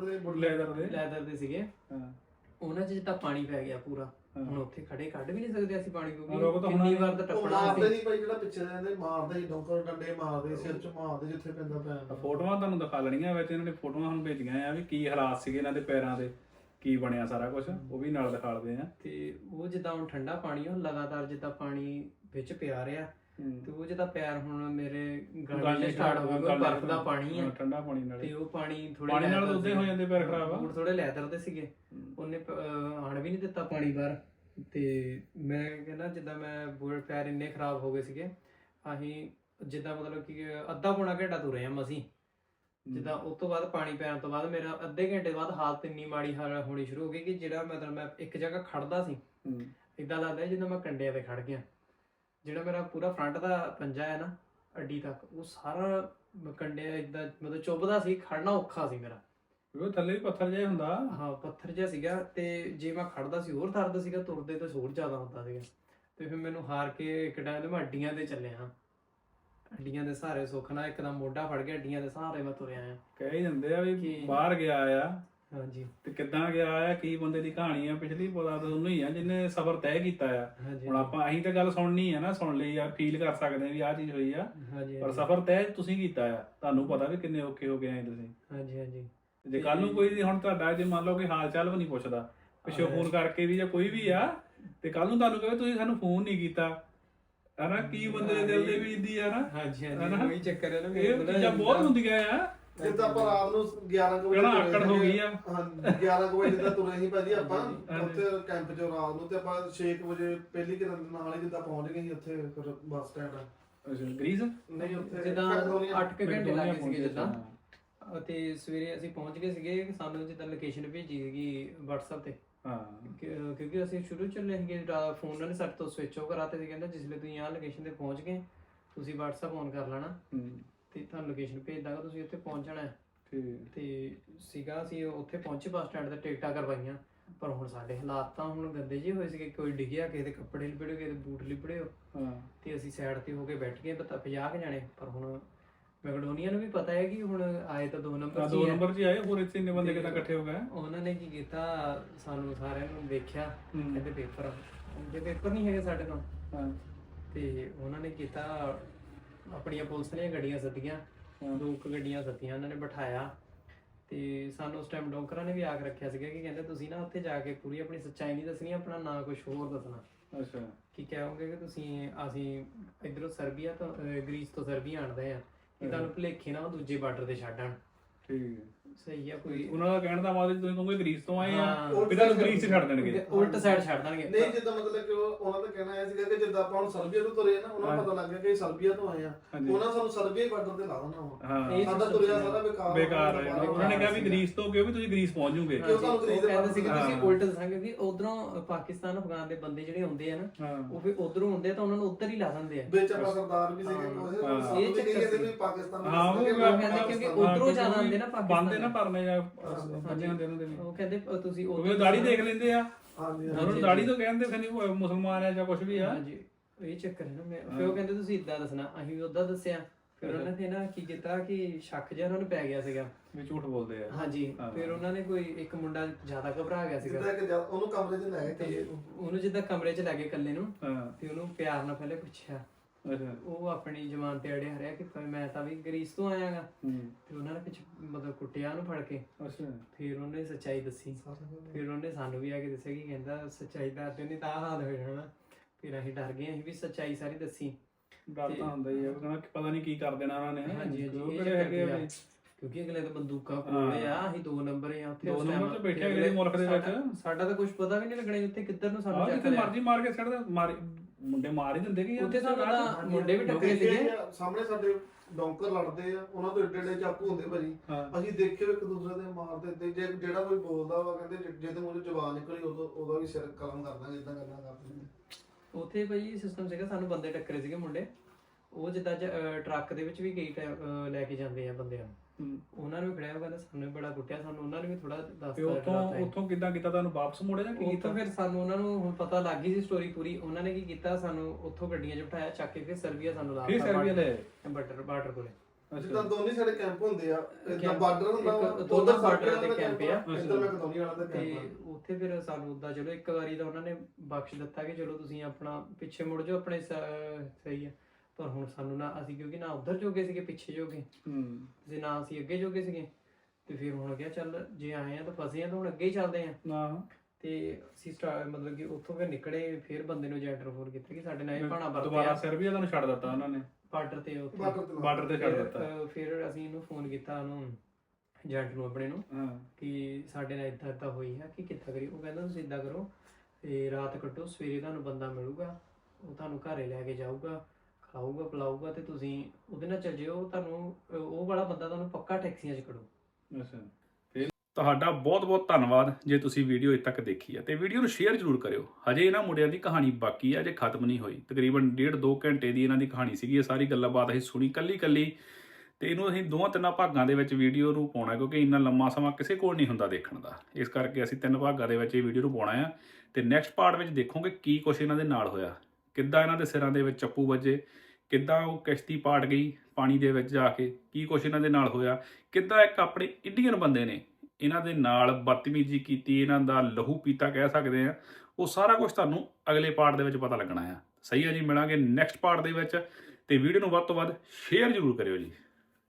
A: ਲੈਦਰ
B: ਦੇ ਸੀਗੇ, ਉਹਨਾਂ 'ਚ ਜਿੱਦਾਂ ਪਾਣੀ ਪੈ ਗਿਆ ਪੂਰਾ। ਹੁਣ ਉੱਥੇ ਖੜੇ ਕੱਢ ਵੀ ਨਹੀਂ ਸਕਦੇ ਅਸੀਂ ਪਾਣੀ, ਕਿਉਂਕਿ ਕਿੰਨੀ ਵਾਰ ਤਾਂ ਟੱਪਣਾ ਸੀ।
C: ਮਾਰਦੇ ਨਹੀਂ ਭਾਈ, ਜਿਹੜਾ ਪਿੱਛੇ ਰਹਿੰਦੇ ਮਾਰਦੇ ਹੀ, ਡੋਂਕਰ ਡੰਡੇ ਮਾਰਦੇ, ਸਿਰ 'ਚ ਮਾਰਦੇ ਜਿੱਥੇ ਪੈਂਦਾ ਪੈਰ।
A: ਫੋਟੋਆਂ ਤੁਹਾਨੂੰ ਦਿਖਾ ਲੈਣੀਆਂ ਵਿੱਚ, ਇਹਨਾਂ ਨੇ ਫੋਟੋਆਂ ਹੁਣ ਭੇਜੀਆਂ ਆ ਵੀ ਕੀ ਹਾਲਾਤ ਸੀਗੇ ਇਹਨਾਂ ਦੇ ਪੈਰਾਂ ਦੇ, ਕੀ ਬਣਿਆ ਸਾਰਾ ਕੁਝ, ਉਹ ਵੀ ਨਾਲ ਦਿਖਾਲਦੇ ਆ।
B: ਤੇ ਉਹ ਜਿੱਦਾਂ ਹੁਣ ਠੰਡਾ ਪਾਣੀ, ਉਹ ਲਗਾਤਾਰ ਜਿੱਦਾਂ ਪਾਣੀ ਵਿੱਚ ਪਿਆ ਰਿਹਾ, ਤੇ ਉਹ ਜਿੱਦਾਂ ਪੈਰ ਹੁਣ ਮੇਰੇ ਗਾਲੇ ਸਟਾਰਟ ਹੋ ਗਏ, ਬਰਫ਼ ਦਾ ਪਾਣੀ ਆ,
A: ਠੰਡਾ ਪਾਣੀ ਨਾਲ,
B: ਤੇ ਉਹ ਪਾਣੀ
A: ਪਾਣੀ ਨਾਲ ਉੱਦੇ ਹੋ ਜਾਂਦੇ ਪੈਰ ਖਰਾਬ ਆ।
B: ਬੂਟ ਥੋੜੇ ਲੈਦਰ ਦੇ ਸੀਗੇ, ਉਹਨੇ ਆਣ ਵੀ ਨਹੀਂ ਦਿੱਤਾ ਪਾਣੀ ਬਾਹਰ। ਤੇ ਮੈਂ ਕਹਿੰਦਾ ਜਿੱਦਾਂ ਮੈਂ ਪੈਰ ਇੰਨੇ ਖਰਾਬ ਹੋ ਗਏ ਸੀਗੇ, ਅਸੀਂ ਜਿੱਦਾਂ ਮਤਲਬ ਕਿ ਅੱਧਾ ਪੌਣਾ ਘੰਟਾ ਤੁਰੇ ਆ ਮਸੀਂ। ਜਿੱਦਾਂ ਉਸ ਤੋਂ ਬਾਅਦ ਪਾਣੀ ਪੈਣ ਤੋਂ ਬਾਅਦ ਮੇਰਾ ਅੱਧੇ ਘੰਟੇ ਬਾਅਦ ਹਾਲਤ ਇੰਨੀ ਮਾੜੀ ਹੋਣੀ ਸ਼ੁਰੂ ਹੋ ਗਈ ਕਿ ਜਿਹੜਾ ਮਤਲਬ ਮੈਂ ਇੱਕ ਜਗ੍ਹਾ ਖੜਦਾ ਸੀ, ਏਦਾਂ ਲੱਗਦਾ ਜਿੱਦਾਂ ਮੈਂ ਕੰਡਿਆਂ ਤੇ ਖੜ ਗਿਆ। ਜਿਹੜਾ ਮੇਰਾ ਪੂਰਾ ਫਰੰਟ ਦਾ ਪੰਜਾ ਹੈ ਨਾ ਅੱਡੀ ਤੱਕ, ਉਹ ਸਾਰਾ ਕੰਡਿਆਂ ਏਦਾਂ ਮਤਲਬ ਚੁੱਭਦਾ ਸੀ, ਖੜਨਾ ਔਖਾ ਸੀ ਮੇਰਾ।
A: ਉਹ ਥੱਲੇ ਵੀ ਪੱਥਰ ਜਿਹਾ ਹੁੰਦਾ।
B: ਹਾਂ, ਪੱਥਰ ਜਿਹਾ ਸੀਗਾ, ਤੇ ਜੇ ਮੈਂ ਖੜਦਾ ਸੀ ਹੋਰ ਦਰਦ ਸੀਗਾ, ਤੁਰਦੇ ਤਾਂ ਹੋਰ ਜ਼ਿਆਦਾ ਹੁੰਦਾ ਸੀਗਾ। ਤੇ ਫਿਰ ਮੈਨੂੰ ਹਾਰ ਕੇ ਇੱਕ ਟਾਈਮ ਤੇ ਮੈਂ ਅੱਡੀਆਂ ਤੇ ਚੱਲਿਆ, ਅੱਡੀਆਂ ਦੇ ਸਹਾਰੇ ਸੁੱਖ ਨਾਲ ਇੱਕਦਮ ਮੋਢਾ ਫੜ ਗਿਆ, ਅੱਡੀਆਂ ਦੇ ਸਹਾਰੇ ਮੈਂ ਤੁਰਿਆ ਆ।
A: ਕਹਿ ਹੀ ਦਿੰਦੇ ਆ ਵੀ ਬਾਹਰ ਗਿਆ ਆ
B: ਹਾਂਜੀ
A: ਤੇ ਕਿੱਦਾਂ ਗਿਆ ਆ, ਕੀ ਬੰਦੇ ਦੀ ਕਹਾਣੀ ਆ ਪਿਛਲੀ, ਪਤਾ ਤਾਂ ਉਹਨੂੰ ਹੀ ਆ ਜਿਹਨੇ ਸਫ਼ਰ ਤੈਅ ਕੀਤਾ ਆ।
B: ਹਾਂਜੀ
A: ਹੁਣ ਅਸੀਂ ਤਾਂ ਗੱਲ ਸੁਣਨੀ ਆ ਨਾ, ਸੁਣ ਲਈ ਆ, ਫੀਲ ਕਰ ਸਕਦੇ ਆ ਵੀ ਆਹ ਚੀਜ਼ ਹੋਈ ਆ,
B: ਹਾਂਜੀ
A: ਪਰ ਸਫ਼ਰ ਤੈਅ ਤੁਸੀਂ ਕੀਤਾ ਆ, ਤੁਹਾਨੂੰ ਪਤਾ ਵੀ ਕਿੰਨੇ ਔਖੇ ਹੋ ਗਏ ਆਏ ਤੁਸੀਂ।
B: ਹਾਂਜੀ ਹਾਂਜੀ
A: ਜੇ ਕੱਲ ਨੂੰ ਕੋਈ ਹੁਣ ਤੁਹਾਡਾ ਜੇ ਮੰਨ ਲਓ ਕਿ ਹਾਲ ਚਾਲ ਵੀ ਨਹੀਂ ਪੁੱਛਦਾ ਪਿੱਛੋਂ ਫੋਨ ਕਰਕੇ ਵੀ, ਜਾਂ ਕੋਈ ਵੀ ਆ, ਤੇ ਕੱਲ ਨੂੰ ਤੁਹਾਨੂੰ ਕਹੇ ਤੁਸੀਂ ਸਾਨੂੰ ਫੋਨ ਨਹੀਂ ਕੀਤਾ, ਹਨਾ, ਕੀ ਬੰਦੇ ਦੇ ਦਿਲ ਦੇ ਵੀ ਇੰਦੀ ਆ ਨਾ।
B: ਹਾਂਜੀ ਹਾਂਜੀ ਉਹੀ ਚੱਕਰ ਹੈ ਨਾ,
A: ਇਹ ਚੀਜ਼ਾਂ ਬਹੁਤ ਹੁੰਦੀਆਂ ਆ।
C: ਜਿੱਦਾਂ ਆਪਾਂ ਰਾਤ ਨੂੰ 11 ਕੁ ਵਜੇ
A: ਕਿਹੜਾ ਆਕੜ ਹੋ ਗਈ ਆ।
C: ਹਾਂ 11 ਕੁ ਵਜੇ ਜਿੱਦਾਂ ਤੁਰੇ ਸੀ ਭਾਜੀ ਆਪਾਂ ਉੱਥੇ ਕੈਂਪ 'ਚ ਰਾਤ ਨੂੰ, ਤੇ ਆਪਾਂ 6 ਵਜੇ ਪਹਿਲੀ ਕਿਰਨ ਨਾਲ ਹੀ ਜਿੱਦਾਂ ਪਹੁੰਚ ਗਏ ਸੀ ਉੱਥੇ ਫਿਰ ਬੱਸ ਸਟੈਂਡ।
A: ਅੱਛਾ ਗ੍ਰੀਸ
C: ਨਹੀਂ ਉੱਥੇ
B: ਜਿੱਦਾਂ
C: ਮੈਕਡੋਨੀਆ।
B: 8 ਘੰਟੇ ਲੱਗੇ ਸੀਗੇ ਜਿੱਦਾਂ, ਅਤੇ ਸਵੇਰੇ ਅਸੀਂ ਪਹੁੰਚ ਗਏ ਸੀਗੇ, ਸਾਨੂੰ ਜਿੱਦਾਂ ਲੋਕੇਸ਼ਨ ਭੇਜੀ ਸੀਗੀ WhatsApp ਤੇ।
A: ਹਾਂ
B: ਕਿਉਂਕਿ ਅਸੀਂ ਸ਼ੁਰੂ ਚੱਲੇ ਸੀਗੇ, ਫੋਨ ਉਹਨਾਂ ਨੇ ਸਾਡੇ ਤੋਂ ਸਵਿਚ ਆਫ ਕਰਾਤੇ ਸੀ, ਕਹਿੰਦਾ ਜਿਸ ਵੇਲੇ ਤੁਸੀਂ ਆਹ ਲੋਕੇਸ਼ਨ ਤੇ ਪਹੁੰਚ ਗਏ ਤੁਸੀਂ WhatsApp ਔਨ ਕਰ ਲੈਣਾ ਤੇ ਤੁਹਾਨੂੰ ਲੋਕੇਸ਼ਨ ਭੇਜ ਦਾਂਗਾ, ਤੁਸੀਂ ਉੱਥੇ ਪਹੁੰਚਣਾ ਹੈ। ਤੇ ਸੀਗਾ ਅਸੀਂ ਉੱਥੇ ਪਹੁੰਚੇ ਬੱਸ ਸਟੈਂਡ ਤੇ, ਟਿਕਟਾਂ ਕਰਵਾਈਆਂ, ਪਰ ਹੁਣ ਸਾਡੇ ਹਾਲਾਤ ਤਾਂ ਹੁਣ ਗੰਦੇ ਜਿਹੇ ਹੋਏ ਸੀਗੇ, ਕੋਈ ਡਿੱਗਿਆ, ਕਿਸੇ ਦੇ ਕੱਪੜੇ ਲਿਬੜੇ, ਕਿਸੇ ਦੇ ਬੂਟ ਲਿਬੜੇ, ਤੇ ਅਸੀਂ ਸਾਈਡ ਤੇ ਹੋ ਕੇ ਬੈਠ ਗਏ 50 ਕੁ ਜਾਣੇ। ਪਰ ਹੁਣ ਮੈਕਡੋਨੀਆ ਨੂੰ ਵੀ ਪਤਾ ਹੈ ਕਿ ਹੁਣ ਆਏ ਤਾਂ 2 ਨੰਬਰ 'ਚ ਹੀ
A: ਆਏ, ਹੋਰ ਇੱਥੇ ਇੰਨੇ ਬੰਦੇ ਕਿੱਦਾਂ ਇਕੱਠੇ ਹੋ ਗਏ।
B: ਉਹਨਾਂ ਨੇ ਕੀ ਕੀਤਾ, ਸਾਨੂੰ ਸਾਰਿਆਂ ਨੂੰ ਦੇਖਿਆ, ਕਹਿੰਦੇ ਪੇਪਰ, ਜੇ ਪੇਪਰ ਨਹੀਂ ਹੈਗੇ ਸਾਡੇ ਕੋਲ, ਤੇ ਉਹਨਾਂ ਨੇ ਕੀਤਾ ਆਪਣੀਆਂ ਪੁਲਿਸ ਦੀਆਂ ਗੱਡੀਆਂ ਸੱਦੀਆਂ, 2 ਗੱਡੀਆਂ ਸੱਦੀਆਂ, ਉਹਨਾਂ ਨੇ ਬਿਠਾਇਆ। ਤੇ ਸਾਨੂੰ ਉਸ ਟਾਈਮ ਡੋਕਰਾਂ ਨੇ ਵੀ ਆਖ ਰੱਖਿਆ ਸੀਗਾ ਕਿ ਕਹਿੰਦੇ ਤੁਸੀਂ ਨਾ ਉੱਥੇ ਜਾ ਕੇ ਪੂਰੀ ਆਪਣੀ ਸੱਚਾਈ ਨਹੀਂ ਦੱਸਣੀ, ਆਪਣਾ ਨਾ ਕੁਝ ਹੋਰ ਦੱਸਣਾ।
A: ਅੱਛਾ
B: ਕੀ ਕਹੋਗੇ ਕਿ ਅਸੀਂ ਇਧਰੋਂ ਸਰਬੀਆ ਤੋਂ, ਗ੍ਰੀਸ ਤੋਂ ਸਰਬੀਆ ਆਣਦੇ ਆ, ਕਿ ਤੁਹਾਨੂੰ ਭੁਲੇਖੇ ਨਾ ਉਹ ਦੂਜੇ ਬਾਰਡਰ ਤੇ ਛੱਡਣ।
A: ਠੀਕ
B: ਸਹੀ ਆ, ਕੋਈ
A: ਉਹਨਾਂ ਦਾ ਕਹਿਣ ਦਾ ਮਤਲਬ ਤੁਸੀਂ ਕਹੋਗੇ ਗ੍ਰੀਸ ਤੋਂ ਆਏ ਆ,
B: ਹਾਂ,
A: ਵੀ ਤੁਹਾਨੂੰ ਗ੍ਰੀਸ 'ਚ ਛੱਡ ਦੇਣਗੇ,
B: ਉਲਟ ਸਾਈਡ ਛੱਡ ਦੇਣਗੇ।
C: ਨਹੀਂ ਜਿੱਦਾਂ ਮਤਲਬ ਕਿ ਉਹਨਾਂ ਦਾ ਕਹਿਣਾ ਇਹ ਸੀਗਾ ਕਿ ਜਿੱਦਾਂ ਆਪਾਂ ਹੁਣ ਸਰਬੀਆ ਤੋਂ ਤੁਰੇ ਨਾ, ਉਹਨਾਂ ਨੂੰ ਪਤਾ ਲੱਗ ਗਿਆ ਕਿ ਸਰਬੀਆ ਤੋਂ ਆਏ ਆ, ਉਹਨਾਂ ਸਾਨੂੰ ਸਰਬੀਆ ਬਾਰਡਰ ਤੇ ਲਾ ਦੇਣਾ ਵਾ,
A: ਹਾਂ
C: ਸਾਡਾ ਤੁਰਿਆ ਸਾਰਾ
A: ਬੇਕਾਰ ਹੈ। ਉਹਨਾਂ ਨੇ ਕਿਹਾ ਵੀ ਗ੍ਰੀਸ ਤੋਂ ਕਿਉਂ, ਵੀ ਤੁਸੀਂ ਗ੍ਰੀਸ ਪਹੁੰਚ ਜੂਗੇ।
C: ਕਿਉਂ ਤੁਹਾਨੂੰ ਗ੍ਰੀਸ ਦੇ
B: ਕਹਿੰਦੇ ਸੀ ਕਿ ਤੁਸੀਂ ਉਲਟ ਦੱਸਾਂਗੇ ਕਿ ਉਧਰੋਂ ਪਾਕਿਸਤਾਨ ਅਫਗਾਨ ਦੇ ਬੰਦੇ ਜਿਹੜੇ ਹੁੰਦੇ ਆ ਨਾ, ਉਹ ਫਿਰ ਉਧਰੋਂ ਹੁੰਦੇ ਆ ਤਾਂ ਉਹਨਾਂ ਨੂੰ ਉੱਧਰ ਹੀ ਲਾ ਦਿੰਦੇ ਆ।
C: ਵਿੱਚ ਆਪਾਂ ਸਰਦਾਰ ਵੀ ਸੀਗੇ ਕੋਈ, ਇਹ ਚੱਕਰ ਵੀ ਪਾਕਿਸਤਾਨ
A: ਹਾਂ ਉਹ
B: ਕਹਿੰਦੇ ਕਿਉਂਕਿ ਉਧਰੋਂ ਜ਼ਿਆਦਾ ਆਉਂਦੇ ਨਾ ਪਾਕਿਸਤਾਨ
A: ਬੰਦੇ ਨਾ ਪਰਨੇ ਜਾਂ ਬੰਦੇ ਹੁੰਦੇ ਉਹਨਾਂ ਦੇ ਵੀ,
B: ਉਹ ਕਹਿੰਦੇ ਤੁਸੀਂ
A: ਉਹ ਦਾੜੀ ਦੇਖ ਲੈਂਦੇ ਆ,
C: ਹਾਂਜੀ
A: ਉਹਨਾਂ ਨੂੰ ਦਾੜੀ ਤੋਂ ਕਹਿੰਦੇ ਫਿਰ ਨਹੀਂ ਮੁਸਲਮਾਨ ਆ ਜਾਂ ਕੁਝ ਵੀ ਆ।
B: ਹਾਂਜੀ ਇਹ ਚੱਕਰ ਹੈ ਨਾ। ਫਿਰ ਉਹ ਕਹਿੰਦੇ ਤੁਸੀਂ ਇਦਾਂ ਦੱਸਣਾ, ਅਸੀਂ ਵੀ ਉਦਾਂ ਦੱਸਿਆ। ਫਿਰ ਉਹਨਾਂ ਨੇ ਨਾ ਕੀ ਕੀਤਾ ਕਿ ਸ਼ੱਕ ਜਿਹਾ ਉਹਨਾਂ ਨੂੰ ਪੈ ਗਿਆ ਸੀਗਾ
A: ਵੀ ਝੂਠ ਬੋਲਦੇ ਆ।
B: ਹਾਂਜੀ ਫਿਰ ਉਹਨਾਂ ਨੇ ਕੋਈ ਇੱਕ ਮੁੰਡਾ ਜ਼ਿਆਦਾ ਘਬਰਾ ਗਿਆ ਸੀਗਾ,
C: ਉਹਨੂੰ ਕਮਰੇ 'ਚ ਲੈ ਗਏ
B: ਤੇ ਉਹਨੂੰ ਜਿੱਦਾਂ ਕਮਰੇ 'ਚ ਲੈ ਕੇ ਇਕੱਲੇ ਨੂੰ, ਤੇ ਉਹਨੂੰ ਪਿਆਰ ਨਾਲ ਪਹਿਲੇ ਪੁੱਛਿਆ। ਉਹ ਆਪਣੀ ਜ਼ਬਾਨ ਤੇ ਅੜਿਆ ਰਿਹਾ ਕਿ ਮੈਂ ਤਾਂ ਵੀ ਗ੍ਰੀਸ ਤੋਂ ਆਇਆਗਾ। ਤੇ ਉਹਨਾਂ ਨੇ ਪਿੱਛੇ ਮਤਲਬ ਕੁੱਟਿਆ ਉਹਨੂੰ ਫੜ ਕੇ। ਫਿਰ ਉਹਨੇ ਸੱਚਾਈ ਦੱਸੀ, ਫਿਰ ਉਹਨੇ ਸਾਨੂੰ ਵੀ ਆ ਕੇ ਦੱਸਿਆ ਕਿ ਕਹਿੰਦਾ ਸੱਚਾਈ ਦੱਸ ਤੇ ਨਹੀਂ ਤਾਂ ਹਾਲ ਹੋ ਜਾਣਾ। ਫਿਰ ਅਸੀਂ ਡਰ ਗਏ, ਅਸੀਂ ਵੀ ਸੱਚਾਈ ਸਾਰੀ ਦੱਸੀ।
A: ਡਰ ਤਾਂ ਹੁੰਦਾ ਹੀ ਆ, ਕਹਿੰਦਾ ਪਤਾ ਨਹੀਂ ਕੀ ਕਰ ਦੇਣਾ ਉਹਨਾਂ ਨੇ।
B: ਹਾਂਜੀ ਹਾਂਜੀ, ਕਿਉਂਕਿ ਅਗਲੇ ਤਾਂ ਬੰਦੂਕਾਂ ਕੋਲੇ ਆ, ਅਸੀਂ 2 ਨੰਬਰ ਆ ਉੱਥੇ,
A: 2 ਨੰਬਰ ਤੇ ਬੈਠੇ ਅਗਲੇ ਮੁਲਕ ਦੇ ਵਿੱਚ।
B: ਸਾਡਾ ਤਾਂ ਕੁਝ ਪਤਾ ਵੀ ਨਹੀਂ ਲੱਗਣਾ ਉੱਥੇ ਕਿੱਧਰ ਨੂੰ ਸਾਨੂੰ
A: ਜਿੱਥੇ ਮਰਜ਼ੀ ਮਾਰ ਕੇ ਛੱਡ ਦੇ, ਮੁੰਡੇ ਮਾਰ ਹੀ ਦਿੰਦੇ ਕਿ
B: ਉੱਥੇ ਸਾਨੂੰ ਤਾਂ ਮੁੰਡੇ ਵੀ ਟੱਕਰੇ ਸੀਗੇ।
C: ਸਾਹਮਣੇ ਸਾਡੇ ਡੌਂਕਰ ਲੜਦੇ ਆ, ਉਹਨਾਂ ਤੋਂ ਏਡੇ ਏਡੇ ਚਾਕੂ ਹੁੰਦੇ ਭਾਜੀ, ਅਸੀਂ ਦੇਖਿਓ ਇੱਕ ਦੂਸਰੇ ਦੇ ਮਾਰਦੇ ਤੇ ਜਿਹੜਾ ਕੋਈ ਬੋਲਦਾ ਵਾ ਕਹਿੰਦੇ ਜਿਹਦੇ ਮੂੰਹ 'ਚ ਜ਼ਬਾਨ ਨਿਕਲੀ ਉਹਦਾ ਵੀ ਸਿਰ ਕਲਮ ਕਰ ਦਾਂਗੇ, ਇਦਾਂ ਕਰਨਾ ਕਰਦੇ।
B: ਉੱਥੇ ਭਾਈ ਸਿਸਟਮ ਸੀਗਾ, ਸਾਨੂੰ ਬੰਦੇ ਟੱਕਰੇ ਸੀਗੇ ਮੁੰਡੇ, ਉਹ ਜਿੱਦਾਂ ਟਰੱਕ ਦੇ ਵਿੱਚ ਵੀ ਕਈ ਲੈ ਕੇ ਜਾਂਦੇ ਆ ਬੰਦਿਆਂ ਨੂੰ, ਉਹਨਾਂ ਨੂੰ ਵੀ ਖੜਿਆ, ਕਹਿੰਦਾ ਸਾਨੂੰ ਬੜਾ ਕੁੱਟਿਆ, ਸਾਨੂੰ ਉਹਨਾਂ ਨੇ ਵੀ ਥੋੜਾ ਦੱਸਤਾ।
A: ਉੱਥੋਂ ਕਿੱਦਾਂ ਕੀਤਾ, ਤੁਹਾਨੂੰ ਵਾਪਸ ਮੋੜਿਆ ਜਾਂ ਕੀ ਕੀਤਾ?
B: ਫਿਰ ਸਾਨੂੰ ਉਹਨਾਂ ਨੂੰ ਹੁਣ ਪਤਾ ਲੱਗ ਗਈ ਸੀ ਸਟੋਰੀ ਪੂਰੀ। ਉਹਨਾਂ ਨੇ ਕੀ ਕੀਤਾ, ਸਾਨੂੰ ਉੱਥੋਂ ਗੱਡੀਆਂ 'ਚ ਬਿਠਾਇਆ, ਚੱਕ ਕੇ ਫਿਰ ਸਰਬੀਆ ਸਾਨੂੰ ਲਾ ਦਿੱਤਾ, ਬਾਰਡਰ ਕੋਲੇ।
C: ਜਿੱਦਾਂ ਦੋਨੇ ਸਾਡੇ ਕੈਂਪ ਹੁੰਦੇ ਆ, ਇਦਾਂ ਬਾਰਡਰ ਹੁੰਦਾ,
B: ਦੋਨਾਂ ਬਾਰਡਰ ਦੇ ਕੈਂਪ ਆ,
C: ਇੱਧਰ ਮੈਕਡੋਨੀਆ ਵਾਲਾ ਦਾ
B: ਤੇ
C: ਕੈਂਪ।
B: ਉੱਥੇ ਫਿਰ ਸਾਨੂੰ ਉਦਾਂ ਚਲੋ ਇੱਕ ਵਾਰੀ ਤਾਂ ਉਹਨਾਂ ਨੇ ਬਖਸ਼ ਦਿੱਤਾ ਕਿ ਚਲੋ ਤੁਸੀਂ ਆਪਣਾ ਪਿੱਛੇ ਮੁੜ ਜਾਓ, ਆਪਣੇ ਸਹੀ ਆ। ਪਰ ਹੁਣ ਸਾਨੂੰ ਨਾ, ਅਸੀਂ ਕਿਉਂਕਿ ਨਾ ਉੱਧਰ ਜੋਗੇ ਸੀਗੇ ਪਿੱਛੇ ਜੋਗੇ, ਤੇ ਨਾ ਅਸੀਂ ਅੱਗੇ ਜੋਗੇ ਸੀਗੇ, ਤੇ ਫਿਰ ਹੁਣ ਕਿਹਾ ਚੱਲ ਜੇ ਆਏ ਆ ਤਾਂ ਫਸੇ ਆ ਤਾਂ ਹੁਣ ਅੱਗੇ ਹੀ ਚੱਲਦੇ ਆ। ਤੇ ਅਸੀਂ ਮਤਲਬ ਕਿ ਉੱਥੋਂ ਫਿਰ ਨਿਕਲੇ, ਫਿਰ ਬੰਦੇ ਨੂੰ ਜੈਂਟਰ ਫੋਨ ਕੀਤਾ ਕਿ ਸਾਡੇ ਨਾਲ ਇਹ ਭਾਣਾ ਵਰਤਿਆ।
A: ਦੁਬਾਰਾ ਸਰਬੀਆ ਤੁਹਾਨੂੰ ਛੱਡ ਦਿੱਤਾ ਉਹਨਾਂ ਨੇ,
B: ਬਾਰਡਰ ਤੇ
A: ਬਾਰਡਰ ਤੇ ਛੱਡ ਦਿੱਤਾ।
B: ਫਿਰ ਅਸੀਂ ਇਹਨੂੰ ਫੋਨ ਕੀਤਾ, ਉਹਨੂੰ ਏਜੰਟ ਨੂੰ ਆਪਣੇ ਨੂੰ, ਕਿ ਸਾਡੇ ਨਾਲ ਇਦਾਂ ਇਦਾਂ ਹੋਈ ਹੈ, ਕਿ ਕਿੱਦਾਂ ਕਰੀ। ਉਹ ਕਹਿੰਦਾ ਤੁਸੀਂ ਇਦਾਂ ਕਰੋ, ਤੇ ਰਾਤ ਕੱਟੋ, ਸਵੇਰੇ ਤੁਹਾਨੂੰ ਬੰਦਾ ਮਿਲੂਗਾ, ਉਹ ਤੁਹਾਨੂੰ ਘਰੇ ਲੈ ਕੇ ਜਾਊਗਾ, ਖਾਊਗਾ ਪਿਲਾਊਗਾ, ਤੇ ਤੁਸੀਂ ਉਹਦੇ ਨਾਲ ਚੱਲ ਜਿਓ, ਤੁਹਾਨੂੰ ਉਹ ਵਾਲਾ ਬੰਦਾ ਤੁਹਾਨੂੰ ਪੱਕਾ ਟੈਕਸੀਆਂ 'ਚ ਖੜੂ।
A: ਅੱਛਾ, ਫਿਰ ਤੁਹਾਡਾ ਬਹੁਤ ਬਹੁਤ ਧੰਨਵਾਦ ਜੇ ਤੁਸੀਂ ਵੀਡੀਓ ਇੱਥੇ ਤੱਕ ਦੇਖੀ ਹੈ, ਤੇ ਵੀਡੀਓ ਨੂੰ ਸ਼ੇਅਰ ਜ਼ਰੂਰ ਕਰਿਓ। ਹਜੇ ਇਹਨਾਂ ਮੁੰਡਿਆਂ ਦੀ ਕਹਾਣੀ ਬਾਕੀ ਹੈ, ਅਜੇ ਖਤਮ ਨਹੀਂ ਹੋਈ। ਤਕਰੀਬਨ 1.5-2 ਘੰਟੇ ਦੀ ਇਹਨਾਂ ਦੀ ਕਹਾਣੀ ਸੀਗੀ, ਇਹ ਸਾਰੀ ਗੱਲਬਾਤ ਅਸੀਂ ਸੁਣੀ ਕੱਲੀ, ਤੇ ਇਹਨੂੰ ਅਸੀਂ 2-3 ਭਾਗਾਂ ਦੇ ਵਿੱਚ ਵੀਡੀਓ ਨੂੰ ਪਾਉਣਾ, ਕਿਉਂਕਿ ਇੰਨਾ ਲੰਮਾ ਸਮਾਂ ਕਿਸੇ ਕੋਲ ਨਹੀਂ ਹੁੰਦਾ ਦੇਖਣ ਦਾ। ਇਸ ਕਰਕੇ ਅਸੀਂ 3 ਭਾਗਾਂ ਦੇ ਵਿੱਚ ਇਹ ਵੀਡੀਓ ਨੂੰ ਪਾਉਣਾ ਆ, ਤੇ ਨੈਕਸਟ ਪਾਰਟ ਵਿੱਚ ਦੇਖੋਗੇ ਕੀ ਕੁਛ ਇਹਨਾਂ ਦੇ ਨਾਲ ਹੋਇਆ, ਕਿੱਦਾਂ ਇਹਨਾਂ ਦੇ ਸਿਰਾਂ ਦੇ ਵਿੱਚ ਚੱਪੂ ਵੱਜੇ, ਕਿੱਦਾਂ ਉਹ ਕਿਸ਼ਤੀ ਪਾਟ ਗਈ ਪਾਣੀ ਦੇ ਵਿੱਚ ਜਾ ਕੇ, ਕੀ ਕੁਛ ਇਹਨਾਂ ਦੇ ਨਾਲ ਹੋਇਆ, ਕਿੱਦਾਂ ਇੱਕ ਆਪਣੇ ਇੰਡੀਅਨ ਬੰਦੇ ਨੇ ਇਹਨਾਂ ਦੇ ਨਾਲ ਬਦਤਮੀਜ਼ੀ ਕੀਤੀ, ਇਹਨਾਂ ਦਾ ਲਹੂ ਪੀਤਾ ਕਹਿ ਸਕਦੇ ਆ, ਉਹ ਸਾਰਾ ਕੁਝ ਤੁਹਾਨੂੰ ਅਗਲੇ ਪਾਰਟ ਦੇ ਵਿੱਚ ਪਤਾ ਲੱਗਣਾ ਆ। ਸਹੀ ਆ ਜੀ, ਮਿਲਾਂਗੇ ਨੈਕਸਟ ਪਾਰਟ ਦੇ ਵਿੱਚ, ਤੇ ਵੀਡੀਓ ਨੂੰ ਵੱਧ ਤੋਂ ਵੱਧ ਸ਼ੇਅਰ ਜ਼ਰੂਰ ਕਰਿਓ ਜੀ।